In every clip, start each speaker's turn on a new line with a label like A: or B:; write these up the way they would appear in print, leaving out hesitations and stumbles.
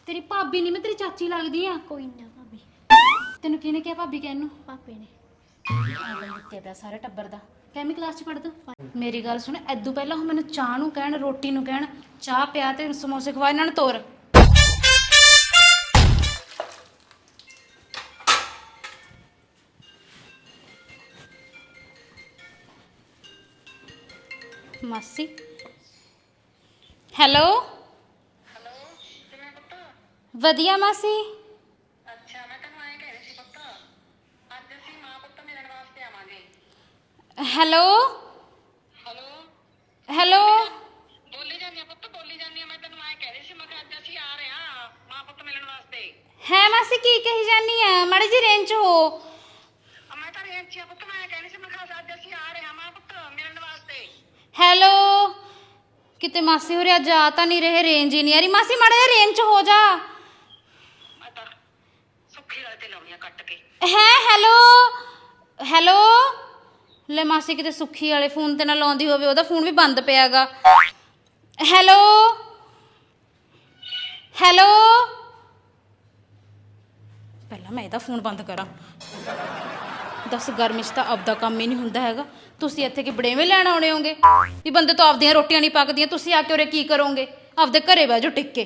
A: तेरी भाभी नहीं मैं तेरी चाची लगदी आ।
B: कोई ना भाभी।
A: तेनू किहने क्या भाभी कहन नू?
B: पापे ने।
A: ਦਿੱਤੇ ਪਿਆ ਸਾਰੇ ਟੱਬਰ ਦਾ। ਕਿੰਨੀ ਕਲਾਸ ਚ ਪੜਦਾ? ਮੇਰੀ ਗੱਲ ਸੁਣ, ਐਦੂ ਪਹਿਲਾਂ ਉਹ ਮੈਨੂੰ ਚਾਹ ਨੂੰ ਕਹਿਣ, ਰੋਟੀ ਨੂੰ ਕਹਿਣ, ਚਾਹ ਪਿਆ ਤੇ ਸਮੋਸੇ ਖਵਾ ਇਹਨਾਂ ਨੂੰ ਤੋਰ। ਮਾਸੀ ਹੈਲੋ।
C: ਹੈਲੋ ਕਿਵੇਂ ਪੁੱਤ?
A: ਵਧੀਆ ਮਾਸੀ।
C: ਅੱਛਾ ਮੈਂ ਤੈਨੂੰ ਐਂ ਕਹਿ ਰਹੀ ਸੀ ਪੁੱਤ, ਅੱਜ ਅਸੀਂ ਮਾਂ ਪੁੱਤ ਮਿਲਣ ਵਾਸਤੇ ਆਵਾਂਗੇ।
A: Hello
C: hello
A: hello.
C: ਬੋਲੀ ਜਾਂਦੀ ਆ ਪੁੱਤ, ਬੋਲੀ ਜਾਂਦੀ ਆ। ਮੈਂ ਤੈਨੂੰ ਐਂ ਕਹਿ ਰਹੀ ਸੀ, ਮੈਂ ਕਿਹਾ ਅੱਜ ਅਸੀਂ ਆ ਰਹੇ ਹਾਂ ਮਾਂ ਪੁੱਤ ਮਿਲਣ ਵਾਸਤੇ।
A: ਹੈ ਮਾਸੀ ਕੀ ਕਹੀ ਜਾਨੀ ਆ? ਮਾੜੀ ਜੀ ਰੇਂਜ ਹੋ।
C: ਮੈਂ ਤਾਂ ਰੇਂਜ 'ਚ ਆ ਪੁੱਤ, ਮੈਂ ਕਹਿ ਰਹੀ ਸੀ, ਮੈਂ ਕਿਹਾ ਅੱਜ ਅਸੀਂ ਆ ਰਹੇ ਹਾਂ ਮਾਂ ਪੁੱਤ ਮਿਲਣ ਵਾਸਤੇ।
A: ਹੈਲੋ ਕਿਤੇ ਮਾਸੀ ਹੋਰਿਆ ਜਾ ਤਾਂ ਨਹੀਂ ਰਹੇ, ਰੇਂਜ ਹੀ ਨਹੀਂ ਆ ਰਹੀ। ਮਾਸੀ ਮਾੜਾ ਜਿਹਾ ਰੇਂਜ ਚ ਹੋ ਜਾ।
C: ਮੈਂ ਤਾਂ ਸੁੱਖੀ ਵਾਲੇ ਤੇ ਲਾਉਣੀ ਆ ਕੱਟ ਕੇ।
A: ਹੈ ਹੈਲੋ ਹੈਲੋ। ਲੈ ਮਾਸੀ ਕਿਤੇ ਸੁੱਖੀ ਵਾਲੇ ਫੋਨ ਤੇ ਨਾ ਲਾਉਂਦੀ ਹੋਵੇ, ਉਹਦਾ ਫੋਨ ਵੀ ਬੰਦ ਪਿਆਗਾ। Hello hello. ਪਹਿਲਾਂ ਮੈਂ ਇਹਦਾ ਫੋਨ ਬੰਦ ਕਰਾਂ। ਦੱਸ ਗਰਮੀ 'ਚ ਤਾਂ ਆਪਦਾ ਕੰਮ ਹੀ ਨਹੀਂ ਹੁੰਦਾ ਹੈਗਾ। ਤੁਸੀਂ ਇੱਥੇ ਕਿ ਬੜੇਵੇਂ ਲੈਣ ਆਉਣੇ ਹੋਗੇ ਵੀ ਬੰਦੇ ਤੋਂ ਆਪਦੀਆਂ ਰੋਟੀਆਂ ਨਹੀਂ ਪੱਕਦੀਆਂ, ਤੁਸੀਂ ਆ ਕੇ ਉਰੇ ਕੀ ਕਰੋਗੇ? ਆਪਦੇ ਘਰੇ ਬਹਿ ਜਾਓ ਟਿੱਕ ਕੇ।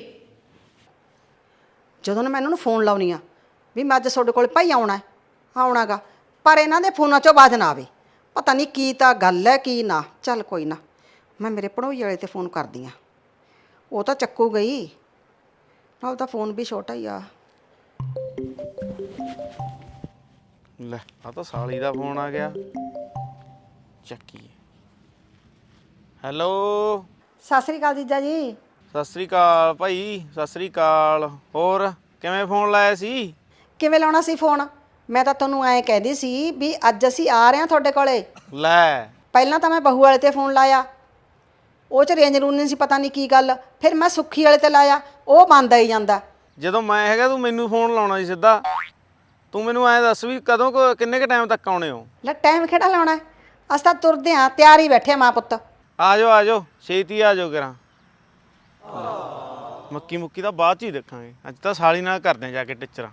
D: ਜਦੋਂ ਨਾ ਮੈਂ ਇਹਨਾਂ ਨੂੰ ਫੋਨ ਲਾਉਣੀ ਆ ਵੀ ਮੈਂ ਅੱਜ ਤੁਹਾਡੇ ਕੋਲ ਭਾਈ ਆਉਣਾਗਾ, ਪਰ ਇਹਨਾਂ ਦੇ ਫੋਨਾਂ 'ਚੋਂ ਆਵਾਜ਼ ਨਾ ਆਵੇ। ਪਤਾ ਨਹੀਂ ਕੀ ਤਾਂ ਗੱਲ ਹੈ ਕੀ ਨਾ। ਚੱਲ ਕੋਈ ਨਾ, ਮੈਂ ਮੇਰੇ ਭਣੋਈ ਵਾਲੇ ਤੇ ਫੋਨ ਕਰਦੀ ਆ, ਉਹ ਤਾਂ ਚੱਕੂ ਗਈ। ਨਾਲ ਤਾਂ ਫੋਨ ਵੀ ਛੋਟਾ ਹੀ ਆ।
E: ਲੈ ਆ ਤਾਂ ਸਾਲੀ ਦਾ ਫੋਨ ਆ ਗਿਆ, ਚੱਕੀ। ਹੈਲੋ
D: ਸਤਿ ਸ੍ਰੀ ਅਕਾਲ ਜੀਜਾ ਜੀ।
E: ਸਤਿ ਸ੍ਰੀ ਅਕਾਲ ਭਾਈ, ਸਤਿ ਸ੍ਰੀ ਅਕਾਲ। ਹੋਰ ਕਿਵੇਂ ਫੋਨ ਲਾਇਆ ਸੀ?
D: ਕਿਵੇਂ ਲਾਉਣਾ ਸੀ ਫੋਨ? ਮੈਂ ਤਾਂ ਤੁਹਾਨੂੰ ਐਂ ਕਹਿੰਦੀ ਸੀ ਵੀ ਅੱਜ ਅਸੀਂ ਆ ਰਹੇ ਹਾਂ ਤੁਹਾਡੇ ਕੋਲੇ।
E: ਲੈ
D: ਪਹਿਲਾਂ ਤਾਂ ਮੈਂ ਬਹੂ ਵਾਲੇ ਤੇ ਫੋਨ ਲਾਇਆ, ਉਹ 'ਚ ਰੇਂਜ ਰੂਨ ਨਹੀਂ ਸੀ, ਪਤਾ ਨਹੀਂ ਕੀ ਗੱਲ। ਫਿਰ ਮੈਂ ਸੁੱਖੀ ਵਾਲੇ ਤੇ ਲਾਇਆ, ਉਹ ਬੰਦ ਆਈ ਜਾਂਦਾ।
E: ਜਦੋਂ ਮੈਂ ਹੈਗਾ ਤੂੰ ਮੈਨੂੰ ਫੋਨ ਲਾਉਣਾ ਸੀ ਸਿੱਧਾ। ਤੂੰ ਮੈਨੂੰ ਐਂ ਦੱਸ ਵੀ ਕਦੋਂ ਕਿੰਨੇ ਕੁ ਟਾਈਮ ਤੱਕ ਆਉਣੇ ਹੋ?
D: ਲੈ ਟਾਈਮ ਕਿਹੜਾ ਲਾਉਣਾ, ਅਸੀਂ ਤਾਂ ਤੁਰਦੇ ਹਾਂ, ਤਿਆਰ ਹੀ ਬੈਠੇ ਮਾਂ ਪੁੱਤ।
E: ਆ ਜਾਓ ਛੇਤੀ ਆ ਜਾਓ ਕਰਾਂ। ਮੱਕੀ ਮੁੱਕੀ ਤਾਂ ਬਾਅਦ 'ਚ ਹੀ ਦੇਖਾਂਗੇ, ਅੱਜ ਤਾਂ ਸਾਲੀ ਨਾਲ ਕਰਦੇ ਜਾ ਕੇ ਟਿੱਚਰਾਂ।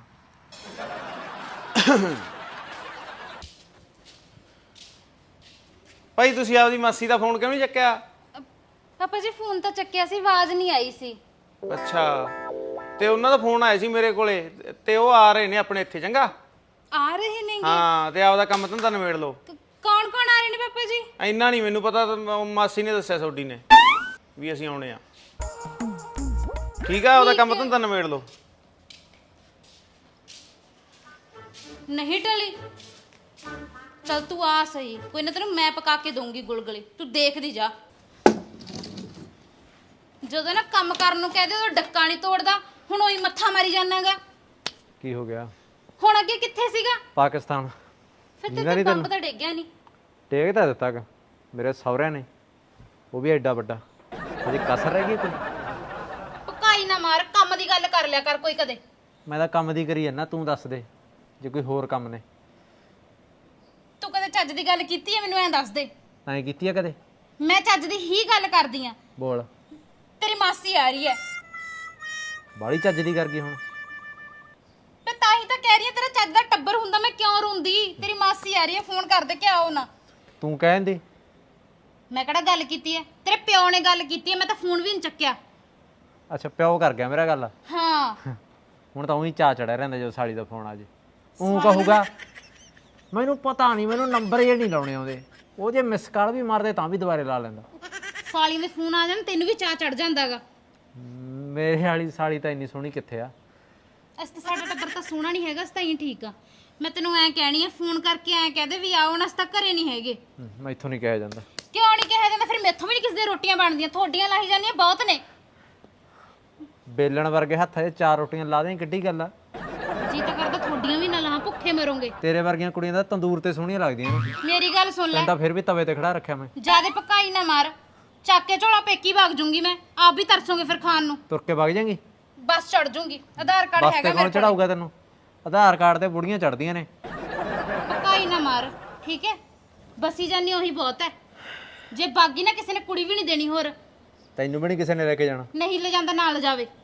E: ਭਾਈ ਤੁਸੀਂ ਆਪਦੀ ਮਾਸੀ ਦਾ ਫੋਨ ਕਿਉਂ ਨਹੀਂ ਚੱਕਿਆ?
A: ਪਾਪਾ ਜੀ ਫੋਨ ਤਾਂ ਚੱਕਿਆ ਸੀ, ਆਵਾਜ਼ ਨਹੀਂ ਆਈ ਸੀ।
E: ਅੱਛਾ, ਤੇ ਉਹਨਾਂ ਦਾ ਫੋਨ ਆਇਆ ਸੀ ਮੇਰੇ ਕੋਲੇ ਤੇ ਉਹ ਆ ਰਹੇ ਨੇ ਆਪਣੇ ਇੱਥੇ। ਚੰਗਾ
A: ਆ ਰਹੇ ਨੇਗੇ?
E: ਹਾਂ, ਤੇ ਆਪਦਾ ਕੰਮ ਧੰਦਾ ਨਿਬੇੜ ਲਓ।
A: ਕੌਣ ਕੌਣ ਆ ਰਹੇ ਨੇ ਪਾਪਾ ਜੀ?
E: ਇੰਨਾ ਨਹੀਂ ਮੈਨੂੰ ਪਤਾ, ਮਾਸੀ ਨੇ ਦੱਸਿਆ ਤੁਹਾਡੀ ਨੇ ਵੀ ਅਸੀਂ ਆਉਣੇ ਆ। ਠੀਕ ਆ, ਆਪਦਾ ਕੰਮ ਧੰਦਾ ਨਿਬੇੜ ਲਓ।
A: ਨਹੀਂ ਟਲੀ, ਚਲ ਤੂੰ ਆ ਸਹੀ, ਕੋਈ ਨਾ ਤੈਨੂੰ ਮੈਂ ਪਕਾ ਕੇ ਦਊਂਗੀ ਗੁਲਗੁਲੇ, ਤੂੰ ਦੇਖਦੀ ਜਾ। ਜਦੋਂ ਨਾ ਕੰਮ ਕਰਨ ਨੂੰ ਕਹਦੇ ਉਹ ਡੱਕਾ ਨਹੀਂ ਤੋੜਦਾ, ਹੁਣ ਉਹੀ ਮੱਥਾ ਮਾਰੀ ਜਾਣਾਗਾ।
F: ਕੀ ਹੋ ਗਿਆ?
A: ਹੁਣ ਅੱਗੇ ਕਿੱਥੇ ਸੀਗਾ?
F: ਪਾਕਿਸਤਾਨ।
A: ਫਿਰ ਤੇ ਬੰਬ ਤਾਂ ਡਿੱਗਿਆ ਨਹੀਂ।
F: ਟੇਕ ਤਾਂ ਦਿੱਤਾ ਗਾ ਮੇਰੇ ਸਹੁਰਿਆਂ ਨੇ, ਉਹ ਵੀ ਐਡਾ ਵੱਡਾ। ਅਜੇ ਕਸਰ ਰਹਿ ਗਈ ਕੋਈ?
A: ਪਕਾਈ ਨਾ ਮਾਰ, ਕੰਮ ਦੀ ਗੱਲ ਕਰ ਲਿਆ ਕਰ ਕੋਈ ਕਦੇ।
F: ਮੈਂ ਤਾਂ ਕੰਮ ਦੀ ਕਰੀ ਜਾਂਦਾ, ਤੂੰ ਦੱਸ ਦੇ ਜੇ ਕੋਈ ਹੋਰ ਕੰਮ ਨੇ।
A: ਤੂੰ ਕਦੇ ਚੱਜ ਦੀ ਗੱਲ ਕੀਤੀ ਹੈ ਮੈਨੂੰ ਐਂ ਦੱਸ ਦੇ।
F: ਐਂ ਕੀਤੀ ਆ ਕਦੇ?
A: ਮੈਂ ਚੱਜ ਦੀ ਹੀ ਗੱਲ ਕਰਦੀ ਆ।
F: ਬੋਲ।
A: ਤੇਰੀ ਮਾਸੀ ਆ ਰਹੀ ਹੈ।
F: ਬਾਹਲੀ ਚੱਜ ਦੀ ਕਰ ਗਈ ਹੁਣ।
A: ਮੈਂ ਤਾਂ ਹੀ ਤਾਂ ਕਹਿ ਰਹੀ ਆ, ਤੇਰਾ ਚੱਜ ਦਾ ਟੱਬਰ ਹੁੰਦਾ ਮੈਂ ਕਿਉਂ ਰੋਂਦੀ? ਤੇਰੀ ਮਾਸੀ ਆ ਰਹੀ ਹੈ, ਫੋਨ ਕਰ ਦੇ ਕਿ ਆਓ ਨਾ।
F: ਤੂੰ ਕਹਿੰਦੀ
A: ਮੈਂ ਕਿਹੜਾ ਗੱਲ ਕੀਤੀ ਹੈ? ਤੇਰੇ ਪਿਓ ਨੇ ਗੱਲ ਕੀਤੀ ਹੈ, ਮੈਂ ਤਾਂ ਫੋਨ ਵੀ ਨਹੀਂ ਚੱਕਿਆ।
F: ਅੱਛਾ, ਪਿਓ ਕਰ ਗਿਆ ਮੇਰਾ ਗੱਲ।
A: ਹਾਂ
F: ਹੁਣ ਤਾਂ ਉਹੀ ਚਾਅ ਚੜਿਆ ਰਹਿੰਦਾ ਜਦੋਂ ਸਾਲੀ ਦਾ ਫੋਨ ਆ ਜੇ। ਉਹ ਕਹੂਗਾ ਮੈਨੂੰ ਪਤਾ ਨਹੀਂ, ਮੈਨੂੰ ਨੰਬਰ ਇਹ ਨਹੀਂ ਲਾਉਣੇ ਆਉਂਦੇ। ਉਹ ਜੇ ਮਿਸ ਕਾਲ ਵੀ ਮਾਰਦੇ ਤਾਂ ਵੀ ਦੁਬਾਰੇ ਲਾ ਲੈਂਦਾ।
A: ਸਾਲੀ ਦੇ ਫੋਨ ਆ ਜਾਣ ਤੈਨੂੰ ਵੀ ਚਾਅ ਚੜ ਜਾਂਦਾਗਾ।
F: ਮੇਰੇ ਵਾਲੀ ਸਾਲੀ ਤਾਂ ਇੰਨੀ ਸੋਹਣੀ ਕਿੱਥੇ ਆ?
A: ਅਸੀਂ ਤਾਂ ਸਾਡਾ ਟੱਬਰ ਤਾਂ ਸੋਹਣਾ ਨਹੀਂ ਹੈਗਾ, ਅਸੀਂ ਤਾਂ ਹੀ ਠੀਕ ਆ। ਮੈਂ ਤੈਨੂੰ ਐਂ ਕਹਿਣੀ ਆ, ਫੋਨ ਕਰਕੇ ਐਂ ਕਹਦੇ ਵੀ ਆਓ ਨਾ, ਅਸੀਂ ਤਾਂ ਘਰੇ ਨਹੀਂ ਹੈਗੇ।
F: ਮੈਥੋਂ ਨਹੀਂ ਕਿਹਾ ਜਾਂਦਾ।
A: ਕਿਉਂ ਨਹੀਂ ਕਿਹਾ ਜਾਂਦਾ? ਫਿਰ ਮੈਥੋਂ ਵੀ ਨਹੀਂ ਕਿਸੇ ਦੀਆਂ ਰੋਟੀਆਂ ਬਣਦੀਆਂ, ਤੁਹਾਡੀਆਂ ਲਾਈ ਜਾਂਦੀਆਂ ਬਹੁਤ ਨੇ।
F: ਬੇਲਣ ਵਰਗੇ ਹੱਥਾਂ 'ਚ 4 ਰੋਟੀਆਂ ਲਾ ਦੇਂ, ਕਿੱਡੀ ਗੱਲ ਆ?
A: ਜੀ ਤਾਂ ਕਰਦਾ ਤੁਹਾਡੀਆਂ ਵੀ ਨਾ ਲਾਂ, ਭੁੱਖੇ ਮਰੋਗੇ।
F: ਤੇਰੇ ਵਰਗੀਆਂ ਕੁੜੀਆਂ ਤਾਂ ਤੰਦੂਰ ਤੇ ਸੋਹਣੀਆਂ ਲੱਗਦੀਆਂ ਨੇ।
A: ਮੇਰੀ ਗੱਲ ਸੁਣ ਲੈ,
F: ਤੈਨੂੰ ਤਾਂ ਫਿਰ ਵੀ ਤਵੇ ਤੇ ਖੜਾ ਰੱਖਿਆ ਮੈਂ।
A: ਜਿਆਦੇ ਪਕਾਈ ਨਾ ਮਾਰ, ਚੱਕ ਕੇ ਝੋਲਾ ਪੇਕੀ ਵਗ ਜੂੰਗੀ ਮੈਂ। ਆਪ ਵੀ ਤਰਸੋਗੇ ਫਿਰ ਖਾਣ ਨੂੰ।
F: ਤੁਰ ਕੇ ਵਗ ਜਾਏਂਗੀ?
A: ਬਸ ਚੜ ਜੂੰਗੀ, ਆਧਾਰ ਕਾਰਡ
F: ਬਸ
A: ਹੈਗਾ
F: ਤੇ
A: ਮੇਰੇ
F: ਕੌਣ
A: ਕੋਲ।
F: ਚੜਾਊਗਾ ਤੈਨੂੰ? ਆਧਾਰ ਕਾਰਡ ਤੇ ਬੁੜੀਆਂ ਚੜਦੀਆਂ ਨੇ।
A: ਪਕਾਈ ਨਾ ਮਾਰ, ਠੀਕ ਹੈ? ਬਸੀ ਜਾਨੀ ਉਹੀ ਬਹੁਤ ਹੈ। ਜੇ ਬਾਗੀ ਨਾ ਕਿਸੇ ਨੇ ਕੁੜੀ ਵੀ ਨਹੀਂ ਦੇਣੀ ਹੋਰ।
F: ਤੈਨੂੰ ਵੀ ਨਹੀਂ ਕਿਸੇ ਨੇ ਲੈ ਕੇ ਜਾਣਾ।
A: ਨਹੀਂ ਲੈ ਜਾਂਦਾ ਨਾਲ ਜਾਵੇ।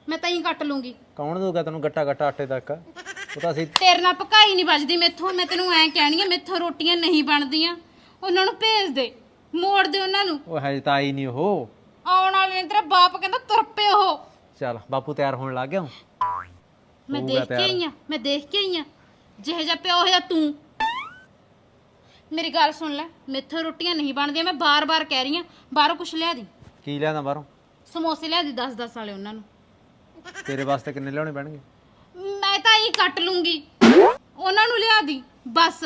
A: ਮੈਂ ਤਾਂ ਹੀ ਕੱਟ ਲੂੰਗੀ।
F: ਕੌਣ ਦਊਗਾ ਤੈਨੂੰ ਗੱਟਾ ਗੱਟਾ ਆਟੇ ਤੱਕ? ਉਹ ਤਾਂ ਅਸੀਂ
A: ਤੇਰੇ ਨਾਲ ਪਕਾਈ ਨਹੀਂ ਵੱਜਦੀ ਮੈਥੋਂ। ਮੈਂ ਤੈਨੂੰ ਐਂ ਕਹਿਣੀ ਆ, ਮੈਥੋਂ ਰੋਟੀਆਂ ਨਹੀਂ ਬਣਦੀਆਂ। ਉਹਨਾਂ ਨੂੰ ਭੇਜ ਦੇ, ਮੋੜ ਦੇ ਉਹਨਾਂ ਨੂੰ।
F: ਉਹ ਹਜੇ ਤਾਂ ਆਈ ਨਹੀਂ ਉਹ।
A: ਆਉਣ ਵਾਲੇ ਨੇ, ਤੇਰਾ ਬਾਪ ਕਹਿੰਦਾ ਤੁਰ ਪਏ ਉਹ।
F: ਚੱਲ ਬਾਪੂ ਤਿਆਰ ਹੋਣ ਲੱਗ ਗਿਆ।
A: ਮੈਂ
F: ਹੋਊਗਾ
A: ਦੇਖ ਕੇ ਆਈ ਆ, ਮੈਂ ਦੇਖ ਕੇ ਆਈ ਆ। ਜਿਹੇ ਜਿਹਾ ਪਿਓ ਹੈ ਤੂੰ। ਮੇਰੀ ਗੱਲ ਸੁਣ ਲੈ, ਮੈਥੋਂ ਰੋਟੀਆਂ ਨਹੀਂ ਬਣਦੀਆਂ। ਮੈਂ ਬਾਰ-ਬਾਰ ਕਹਿ ਰਹੀ ਆ, ਬਾਹਰੋਂ ਕੁਛ ਲਿਆ ਦੀ।
F: ਕੀ ਲਿਆਂਦਾ ਬਾਹਰੋਂ?
A: ਸਮੋਸੇ ਲਿਆ ਦੀ 10-10 ਵਾਲੇ ਉਹਨਾਂ ਨੂੰ।
F: ਤੇਰੇ ਵਾਸਤੇ ਕਿੰਨੇ ਲਿਆਉਣੇ ਪੈਣਗੇ?
A: ਮੈਂ ਤਾਂ ਹੀ ਕੱਟ ਲੂੰਗੀ, ਉਹਨਾਂ ਨੂੰ ਲਿਆ ਦੀ ਬਸ।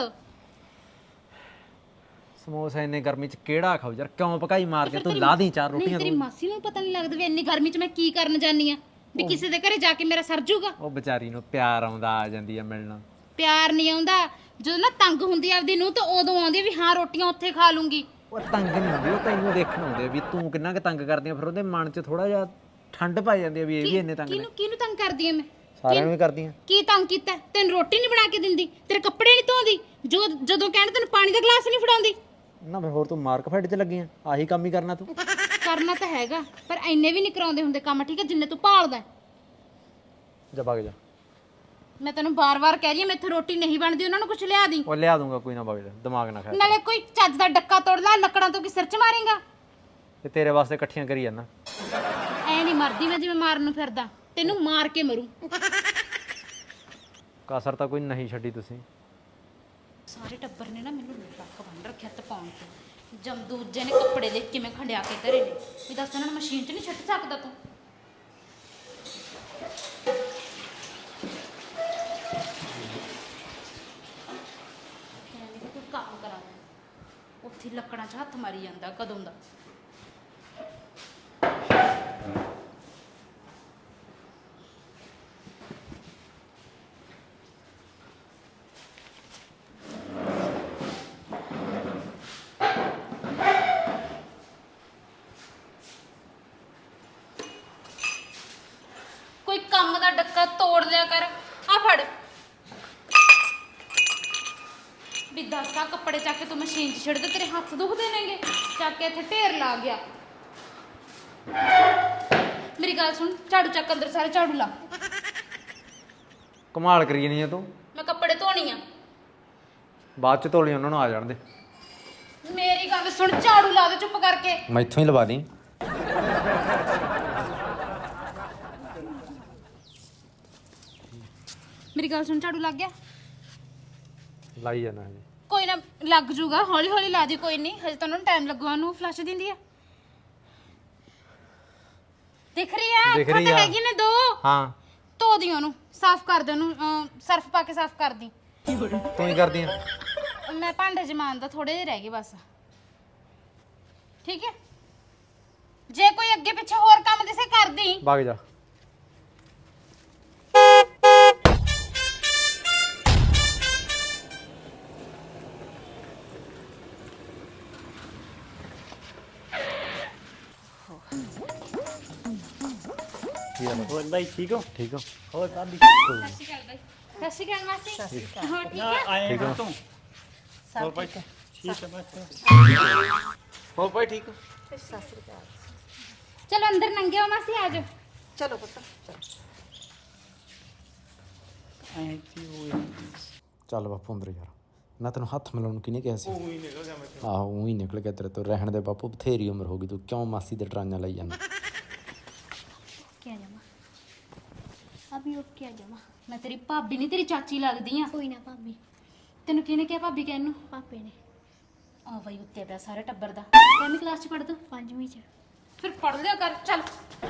F: ਸਮੋਸਾ ਇੰਨੇ ਗਰਮੀ ਚ ਕਿਹੜਾ ਖਾਓ ਯਾਰ? ਕਿਉਂ ਪਕਾਈ ਮਾਰ ਕੇ ਤੂੰ ਲਾ ਦੀ 4
A: ਨਹੀਂ,
F: ਰੋਟੀਆਂ
A: ਤੇਰੀ
F: ਤੂੰ।
A: ਮਾਸੀ ਨੂੰ ਪਤਾ ਨਹੀਂ ਲੱਗਦਾ ਵੀ ਇੰਨੀ ਗਰਮੀ 'ਚ ਮੈਂ ਕੀ ਕਰਨ ਜਾਨੀ ਆ, ਵੀ ਕਿਸੇ ਦੇ ਘਰੇ ਜਾ ਕੇ ਮੇਰਾ ਸਰ ਜੂਗਾ।
F: ਉਹ ਵਿਚਾਰੀ ਨੂੰ ਪਿਆਰ ਆਉਂਦਾ, ਆ ਜਾਂਦੀ ਆ ਮਿਲਣਾ।
A: ਪਿਆਰ ਨਹੀਂ ਆਉਂਦਾ। ਜਦੋਂ ਨਾ ਤੰਗ ਹੁੰਦੀ ਆਪਦੀ ਨੂੰ ਤਾਂ ਉਦੋਂ ਆਉਂਦੀ ਆ ਵੀ ਹਾਂ ਰੋਟੀਆਂ ਉੱਥੇ ਖਾ ਲੂੰਗੀ।
F: ਉਹ ਤੰਗ ਨਹੀਂ ਹੁੰਦੀ, ਉਹ ਤੈਨੂੰ ਦੇਖਣ ਆਉਂਦੇ ਆ ਵੀ ਤੂੰ ਕਿੰਨਾ ਕੁ ਤੰਗ ਕਰਦੀ ਆ। ਫਿਰ ਉਹਦੇ ਮਨ 'ਚ ਥੋੜਾ ਜਿਹਾ ਠੰਡ ਪੈ ਜਾਂਦੀ ਆ ਵੀ ਇਹ ਵੀ ਇੰਨੇ ਤੰਗ ਨੇ।
A: ਕਿਹਨੂੰ ਤੰਗ ਕਰਦੀ ਆ ਮੈਂ?
F: ਸਾਰਿਆਂ ਨੂੰ ਹੀ ਕਰਦੀ ਆ।
A: ਕੀ ਤੰਗ ਕੀਤਾ? ਤੈਨੂੰ ਰੋਟੀ ਨਹੀਂ ਬਣਾ ਕੇ ਦਿੰਦੀ, ਤੇਰੇ ਕੱਪੜੇ ਨਹੀਂ ਧੋਂਦੀ, ਜਦੋਂ ਕਹਿਣ ਤੈਨੂੰ ਪਾਣੀ ਦਾ ਗਲਾਸ ਨਹੀਂ ਫੜਾਉਂਦੀ।
F: ਨਾ ਫਿਰ ਹੋਰ ਤੂੰ ਮਾਰਕ ਫਾਈਟ 'ਚ ਲੱਗੀ ਆ? ਆਹੀ ਕੰਮ ਹੀ ਕਰਨਾ ਤੂੰ।
A: ਕਰਨਾ ਤਾਂ ਹੈਗਾ, ਪਰ ਇੰਨੇ ਵੀ ਨਹੀਂ ਕਰਾਉਂਦੇ ਹੁੰਦੇ ਕੰਮ, ਠੀਕ ਹੈ, ਜਿੰਨੇ ਤੂੰ ਭਾਲਦਾ।
F: ਜਾ ਵਗ ਜਾ।
A: ਮੈਂ ਤੈਨੂੰ ਬਾਰ-ਬਾਰ ਕਹਿ ਰਹੀ ਹਾਂ, ਮੈਥੋਂ ਰੋਟੀ ਨਹੀਂ ਬਣਦੀ, ਉਹਨਾਂ ਨੂੰ ਕੁਝ ਲਿਆ ਦੀ।
F: ਉਹ ਲਿਆ ਦੂੰਗਾ, ਕੋਈ ਨਾ ਵਗ ਜਾ, ਦਿਮਾਗ ਨਾ ਖਾ।
A: ਨਾਲੇ ਕੋਈ ਚੱਜ ਦਾ ਡੱਕਾ ਤੋੜ ਲੈ, ਲੱਕੜਾਂ ਤੋਂ ਕੀ ਸਿਰ 'ਚ ਮਾਰੇਗਾ?
F: ਤੇ ਤੇਰੇ ਵਾਸਤੇ ਇਕੱਠੀਆਂ ਕਰੀ ਜਾਂਦਾ।
A: ਐ ਨਹੀਂ ਮਰਦੀ ਮੈਂ ਜਿਵੇਂ ਮਾਰਨ ਨੂੰ ਫਿਰਦਾ, ਤੈਨੂੰ ਮਾਰ ਕੇ ਮਰੂ।
F: ਕਾਸਰ ਤਾਂ ਕੋਈ ਨਹੀਂ ਛੱਡੀ ਤੁਸੀਂ।
A: ਸਾਰੇ ਟੱਬਰ ਨੇ ਨਾ ਮੈਨੂੰ ਲੱਕ ਬੰਨ ਰੱਖਿਆ ਤਪਾਉਣ ਤੇ। ਜਮ ਦੂਜੇ ਨੇ ਕੱਪੜੇ ਦੇਖ ਕਿਵੇਂ ਖੰਡਿਆ ਕੇ ਧਰੇ ਨੇ, ਵੀ ਦੱਸ ਇਹਨਾਂ ਨੂੰ ਮਸ਼ੀਨ 'ਚ ਨਹੀਂ ਛੱਡ ਸਕਦਾ ਤੂੰ? ਕਹਿੰਦੀ ਕਿ ਕੋਈ ਕੰਮ ਕਰਾ ਦੇ, ਉੱਥੇ ਹੀ ਲੱਕੜਾਂ 'ਚ ਹੱਥ ਮਾਰੀ ਜਾਂਦਾ ਕਦੋਂ ਦਾ। ਕੋਈ ਕੰਮ ਦਾ ਡੱਕਾ ਤੋੜ ਲਿਆ ਕਰ। ਆ ਫੜ ਵੀ ਦੱਸ, ਆ ਕੱਪੜੇ ਚੱਕ ਕੇ ਤੂੰ ਮਸ਼ੀਨ 'ਚ ਛੱਡ ਦੇ, ਤੇਰੇ ਹੱਥ ਦੁਖਦੇ ਨੇਗੇ। ਚੱਕ ਕੇ ਇੱਥੇ ਢੇਰ ਲਾ ਗਿਆ। ਮੇਰੀ ਗੱਲ ਸੁਣ, ਝਾੜੂ ਚੱਕ, ਅੰਦਰ ਸਾਰੇ ਝਾੜੂ ਲਾ।
F: ਕਮਾਲ ਕਰੀ ਨਹੀਂ ਆ ਤੂੰ।
A: ਮੈਂ ਕੱਪੜੇ ਧੋਣੀ ਆ।
F: ਬਾਅਦ 'ਚ ਧੋ ਲਈ, ਉਹਨਾਂ ਨੂੰ ਆ ਜਾਣ ਦੇ।
A: ਮੇਰੀ ਗੱਲ ਸੁਣ, ਝਾੜੂ ਲਾ ਦੇ ਚੁੱਪ ਕਰਕੇ।
F: ਮੈਥੋਂ ਹੀ ਲਵਾ ਦੀ।
A: ਮੇਰੀ ਗੱਲ ਸੁਣ, ਝਾੜੂ ਲੱਗ ਗਿਆ?
F: ਲਾਈ ਜਾਣਾ ਹਜੇ।
A: ਕੋਈ ਨਾ, ਲੱਗ ਜੂਗਾ, ਹੌਲੀ ਹੌਲੀ ਲਾ ਦੇ, ਕੋਈ ਨਹੀਂ, ਹਜੇ ਤਾਂ ਉਹਨਾਂ ਨੂੰ ਟਾਈਮ ਲੱਗੂਗਾ। ਉਹਨੂੰ ਫਲਸ਼ ਦਿੰਦੀ ਆ, ਦਿਖ ਰਹੀ ਆ?
F: ਦਿਖ
A: ਅੱਖਾਂ
F: ਰਹੀ
A: ਤਾਂ
F: ਆ।
A: ਹੈਗੀ ਨੇ 2।
F: ਹਾਂ,
A: ਧੋ ਦੀ ਉਹਨੂੰ, ਸਾਫ਼ ਕਰ ਦੇ ਉਹਨੂੰ, ਸਰਫ ਪਾ ਕੇ ਸਾਫ਼ ਕਰ ਦੀ।
F: ਤੂੰ ਹੀ ਕਰਦੀ ਆ।
A: ਮੈਂ ਭਾਂਡੇ ਜਮਾਨ ਦਾ ਥੋੜੇ ਜਿਹੇ ਰਹਿ ਗਏ ਬਸ, ਠੀਕ ਹੈ? ਜੇ ਕੋਈ ਅੱਗੇ ਪਿੱਛੇ ਹੋਰ ਕੰਮ ਦਿਸੇ ਕਰਦੀ।
F: ਵਗ ਜਾ।
B: ਹੋਰ ਬਾਈ ਠੀਕ ਹੋ?
F: ਠੀਕ ਹੋ?
B: ਹੋਰ ਭਾਬੀ
A: ਸਤਿ ਸ਼੍ਰੀ ਅਕਾਲ ਬਾਈ। ਸਤਿ ਸ਼੍ਰੀ ਅਕਾਲ ਮਾਸੀ। ਹਾਂ ਠੀਕ
B: ਨਾ
A: ਹੈ?
B: ਆਏ ਹਾਂ ਤੂੰ ਹੋਰ ਭਾਈ ਠੀਕ ਹੈ ਬਸ।
E: ਹੋਰ ਭਾਈ ਠੀਕ ਹੋ?
A: ਚਲੋ ਅੰਦਰ ਨੰਗੇ ਹੋ ਮਾਸੀ, ਆ ਜਾਓ।
D: ਚਲੋ ਪੁੱਤ ਚਲੋ।
B: ਆਏ ਕੀ ਹੋਇਆ?
F: ਚੱਲ ਬਾਪੂ ਅੰਦਰ ਯਾਰ। ਨਾ ਤੈਨੂੰ ਹੱਥ ਮਿਲਾਉਣ ਨੂੰ ਕਿਹਨੇ ਕਿਹਾ ਸੀ? ਉਹ ਹੀ ਨਿਕਲ ਗਿਆ ਮੇਰੇ ਤੋਂ। ਆਹੋ, ਉਹ ਹੀ ਨਿਕਲ ਗਿਆ ਤੇਰੇ ਤੋਂ। ਰਹਿਣ ਦੇ ਬਾਪੂ, ਬਥੇਰੀ ਉਮਰ ਹੋ ਗਈ, ਤੂੰ ਕਿਉਂ ਮਾਸੀ ਦੇ ਟਰਾਂਆਂ ਲਈ ਜਾਂਦਾ?
A: क्या जामा अभी ओके आ जामा। मैं तेरी भाभी नहीं, तेरी चाची लगदी आ।
G: कोई ना भाभी।
A: तेनू किहने क्या भाभी कहन नू?
G: पापे ने।
A: आ भाई उत्ते पिया सारे टब्बर दा। कितनी क्लास च पढ़दा?
G: 5वीं च।
A: फिर पढ़ लिया कर, चल।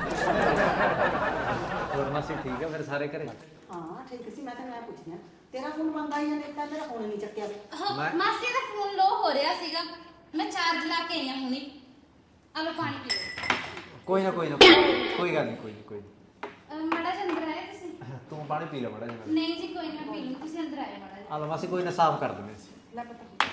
F: ਹੋਰ ਮਾਸੀ ਠੀਕ ਆ ਫਿਰ ਸਾਰੇ ਘਰੇ?
D: ਹਾਂ ਠੀਕ ਸੀ। ਮੈਂ ਤੈਨੂੰ ਐ ਪੁੱਛਦੀ ਆ, ਤੇਰਾ ਫੋਨ ਬੰਦ ਆਈ ਜਾਂਦਾ, ਤਾਂ ਮੇਰਾ ਫੋਨ ਨਹੀਂ ਚੱਕਿਆ।
A: मासी दा फोन लो हो रहा सीगा, मैं चार्ज ला के आई हां हुणी। आ लो पानी पी लो।
F: ਕੋਈ ਨਾ ਕੋਈ ਗੱਲ ਨਹੀਂ, ਕੋਈ ਨਹੀਂ।
A: मड़ा जी अंदर आए तुसी?
F: ਤੂੰ ਪਾਣੀ ਪੀ ਲੈ ਮੜਾ ਜੀ।
A: नहीं जी कोई ना, पी लो, तुसी अंदर आए मड़ा जी।
F: ਆ ਲਓ ਮਾਸੀ, ਕੋਈ ਨਾ ਸਾਫ਼ ਕਰ ਦਿੰਦੇ ਸੀ।
D: ਲੈ ਪੁੱਤ।